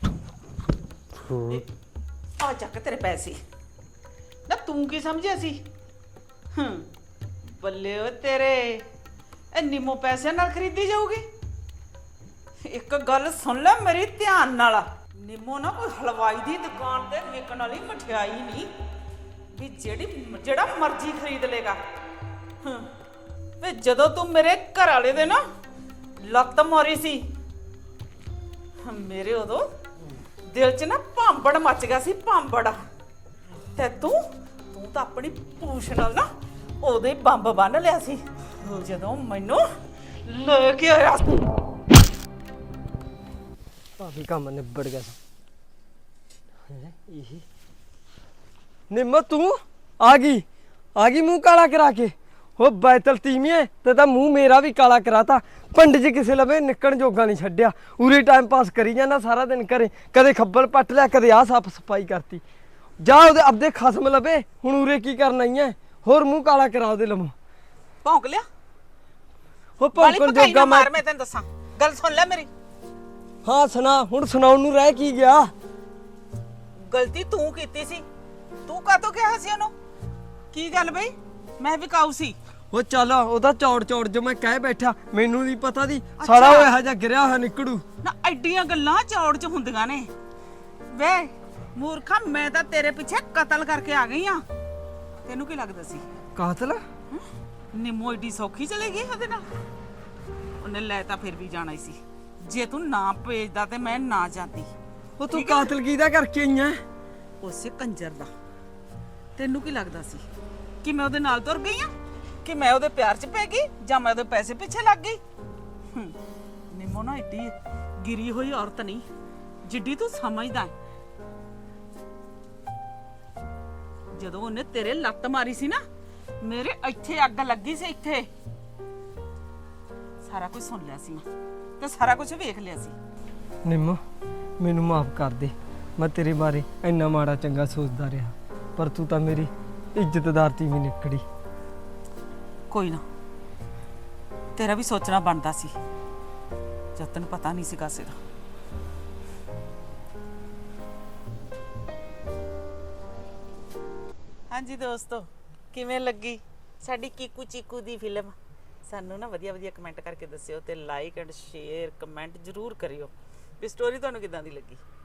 Speaker 2: ਆ ਚੱਕ ਤੇਰੇ ਪੈਸੇ। ਨਾ ਤੂੰ ਕੀ ਸਮਝਿਆ ਸੀ? ਹੂੰ ਬੱਲੇ ਓ ਤੇਰੇ, ਇਹ ਨਿੰਮੋ ਪੈਸਿਆਂ ਨਾਲ ਖਰੀਦੀ ਜਾਊਗੀ? ਇੱਕ ਗੱਲ ਸੁਣ ਲੈ ਮੇਰੀ ਧਿਆਨ ਨਾਲ, ਨਿੰਮੋ ਨਾ ਕੋਈ ਹਲਵਾਈ ਦੀ ਦੁਕਾਨ ਤੇ ਵਿਕਣ ਵਾਲੀ ਮਠਿਆਈ ਨਹੀਂ ਵੀ ਜਿਹੜੀ ਜਿਹੜਾ ਮਰਜ਼ੀ ਖਰੀਦ ਲੇਗਾ। ਹੂੰ ਵੇ ਜਦੋਂ ਤੂੰ ਮੇਰੇ ਘਰ ਵਾਲੇ ਦੇ ਨਾ ਲੱਤ ਮਾਰੀ ਸੀ, ਮੇਰੇ ਉਦੋਂ ਦਿਲ 'ਚ ਨਾ ਭਾਂਬੜ ਮੱਚ ਗਿਆ ਸੀ, ਭਾਂਬੜ। ਤੇ ਤੂੰ ਤੂੰ ਤਾਂ ਆਪਣੀ ਪੂਛ ਨਾਲ ਨਾ ਉਹਦੇ ਬੰਬ ਬੰਨ ਲਿਆ ਸੀ ਜਦੋਂ ਮੈਨੂੰ ਲੈ ਕੇ ਆਇਆ ਸੀ।
Speaker 1: ਭਾਵੇਂ ਕੰਮ ਨਿਬੜ ਗਿਆ ਸੀ। ਹੈਂ, ਇਹੀ ਨਿੰਮ ਤੂੰ ਆ ਗਈ ਆ ਗਈ ਮੂੰਹ ਕਾਲਾ ਕਰਾ ਕੇ। ਉਹ ਬੈਤਲ ਤੀਵੀਏ ਤੇ ਤਾਂ ਮੂੰਹ ਮੇਰਾ ਵੀ ਕਾਲਾ ਕਰਾਤਾ। ਪਿੰਡ 'ਚ ਕਿਸੇ ਲਵੇ ਨਿਕਣ ਜੋਗਾ ਨਹੀਂ ਛੱਡਿਆ। ਉਰੇ ਟਾਈਮ ਪਾਸ ਕਰੀ ਜਾਂਦਾ ਸਾਰਾ ਦਿਨ ਘਰੇ, ਕਦੇ ਖੱਬਲ ਪੱਟ ਲਿਆ, ਕਦੇ ਆਹ ਸਾਫ ਸਫਾਈ ਕਰਤੀ। ਜਾ ਉਹਦੇ ਆਪਦੇ ਖਸਮ ਲਵੇ, ਹੁਣ ਉਰੇ ਕੀ ਕਰਨ ਆਈ ਐ? ਹੋਰ ਮੂੰਹ ਕਾਲਾ ਕਰਾ ਉਹਦੇ ਲਵੋਂ।
Speaker 2: ਭੌਂਕ ਲਿਆ
Speaker 1: ਉਹ
Speaker 2: ਵਾਲੀ
Speaker 1: ਭੌਂਕਣ
Speaker 2: ਪਕਾਈ ਨਾ
Speaker 1: ਜੋਗਾ ਮੈਂ
Speaker 2: ਮਾਰ। ਮੈਂ ਤੈਨੂੰ ਦੱਸਾਂ ਗੱਲ ਸੁਣ ਲੈ ਮੇਰੀ।
Speaker 1: ਹਾਂ ਸੁਣਾ, ਹੁਣ ਸੁਣਾਉਣ ਨੂੰ ਰਹਿ ਕੀ ਗਿਆ?
Speaker 2: ਗਲਤੀ ਤੂੰ ਕੀਤੀ ਸੀ। ਤੂੰ ਕਾਹਤੋਂ ਕਿਹਾ ਸੀ ਉਹਨੂੰ? ਕੀ ਗੱਲ ਬਈ, ਮੈਂ ਵਿਕਾਊ ਸੀ?
Speaker 1: ਉਹ ਚੱਲ ਉਹਦਾ ਚੌੜ ਚੌੜ ਜੋ ਮੈਂ ਕਹਿ ਬੈਠਾ, ਮੈਨੂੰ ਨਹੀਂ ਪਤਾ ਦੀ ਸਾਲਾ ਉਹ ਇਹੋ ਜਿਹਾ ਗਿਰਿਆ ਹੋਇਆ ਨਿਕੜੂ
Speaker 2: ਨਾ। ਐਡੀਆਂ ਗੱਲਾਂ ਚੌੜ 'ਚ ਹੁੰਦੀਆਂ ਨੇ ਵੇ ਮੂਰਖਾ। ਮੈਂ ਤਾਂ ਤੇਰੇ ਪਿੱਛੇ ਕਤਲ ਕਰਕੇ ਆ ਗਈ ਆ। ਤੈਨੂੰ ਕੀ ਲੱਗਦਾ ਸੀ
Speaker 1: ਕਾਤਲ?
Speaker 2: ਨਿੰਮੋ ਏਡੀ ਸੌਖੀ ਚਲੇ ਗਈ ਉਹਦੇ ਨਾਲ? ਉਹਨੇ ਲੈ ਤਾਂ ਫਿਰ ਵੀ ਜਾਣਾ ਹੀ ਸੀ। ਜੇ ਤੂੰ ਨਾ ਭੇਜਦਾ ਤੇ ਮੈਂ ਨਾ ਜਾਂਦੀ।
Speaker 1: ਉਹ ਤੂੰ ਕਾਤਲ ਕਿਹਦਾ ਕਰਕੇ ਆਈ ਐ?
Speaker 2: ਉਸੇ ਕੰਜਰ ਦਾ। ਤੈਨੂੰ ਕੀ ਲੱਗਦਾ ਸੀ ਕਿ ਮੈਂ ਉਹਦੇ ਨਾਲ ਤੁਰ ਗਈ ਆ, ਕਿ ਮੈਂ ਉਹਦੇ ਪਿਆਰ ਚ ਪੈ ਗਈ, ਜਾਂ ਮੈਂ ਉਹਦੇ ਪੈਸੇ ਪਿੱਛੇ ਲੱਗ ਗਈ? ਹੂੰ ਨਿੰਮੋ ਨਾ ਏਡੀ ਗਿਰੀ ਹੋਈ ਔਰਤ ਨਹੀਂ ਜਿੱਡੀ ਤੂੰ ਸਮਝਦਾ ਹੈ। ਜਦੋਂ ਉਹਨੇ ਤੇਰੇ ਲੱਤ ਮਾਰੀ ਸੀ ਨਾ, ਮੇਰੇ ਇੱਥੇ ਅੱਗ ਲੱਗੀ ਸੀ। ਇੱਥੇ ਸਾਰਾ ਕੁਝ ਸੁਣ ਲਿਆ ਸੀ ਮੈਂ, ਤੇ ਸਾਰਾ ਕੁਝ ਵੇਖ ਲਿਆ ਸੀ।
Speaker 1: ਨਿੰਮ ਮੈਨੂੰ ਮਾਫ ਕਰ ਦੇ, ਮੈਂ ਤੇਰੇ ਬਾਰੇ ਇੰਨਾ ਮਾੜਾ ਚੰਗਾ ਸੋਚਦਾ ਰਿਹਾ, ਪਰ ਤੂੰ ਤਾਂ ਮੇਰੀ ਇੱਜ਼ਤਦਾਰ ਤੀਵੀਂ ਨਿਕੜੀ।
Speaker 2: ਕੋਈ ਨਾ, ਤੇਰਾ ਵੀ ਸੋਚਣਾ ਬਣਦਾ ਸੀ ਜਦ ਤੈਨੂੰ ਪਤਾ ਨਹੀਂ ਸੀਗਾ ਸਿਰ। ਹਾਂਜੀ ਦੋਸਤੋ, ਕਿਵੇਂ ਲੱਗੀ ਸਾਡੀ ਕੀਕੂ ਚੀਕੂ ਦੀ ਫਿਲਮ? ਸਾਨੂੰ ਨਾ ਵਧੀਆ ਵਧੀਆ ਕਮੈਂਟ ਕਰਕੇ ਦੱਸਿਓ ਤੇ ਲਾਈਕ ਐਂਡ ਸ਼ੇਅਰ ਕਮੈਂਟ ਜ਼ਰੂਰ ਕਰਿਓ ਵੀ ਸਟੋਰੀ ਤੁਹਾਨੂੰ ਕਿਦਾਂ ਦੀ ਲੱਗੀ।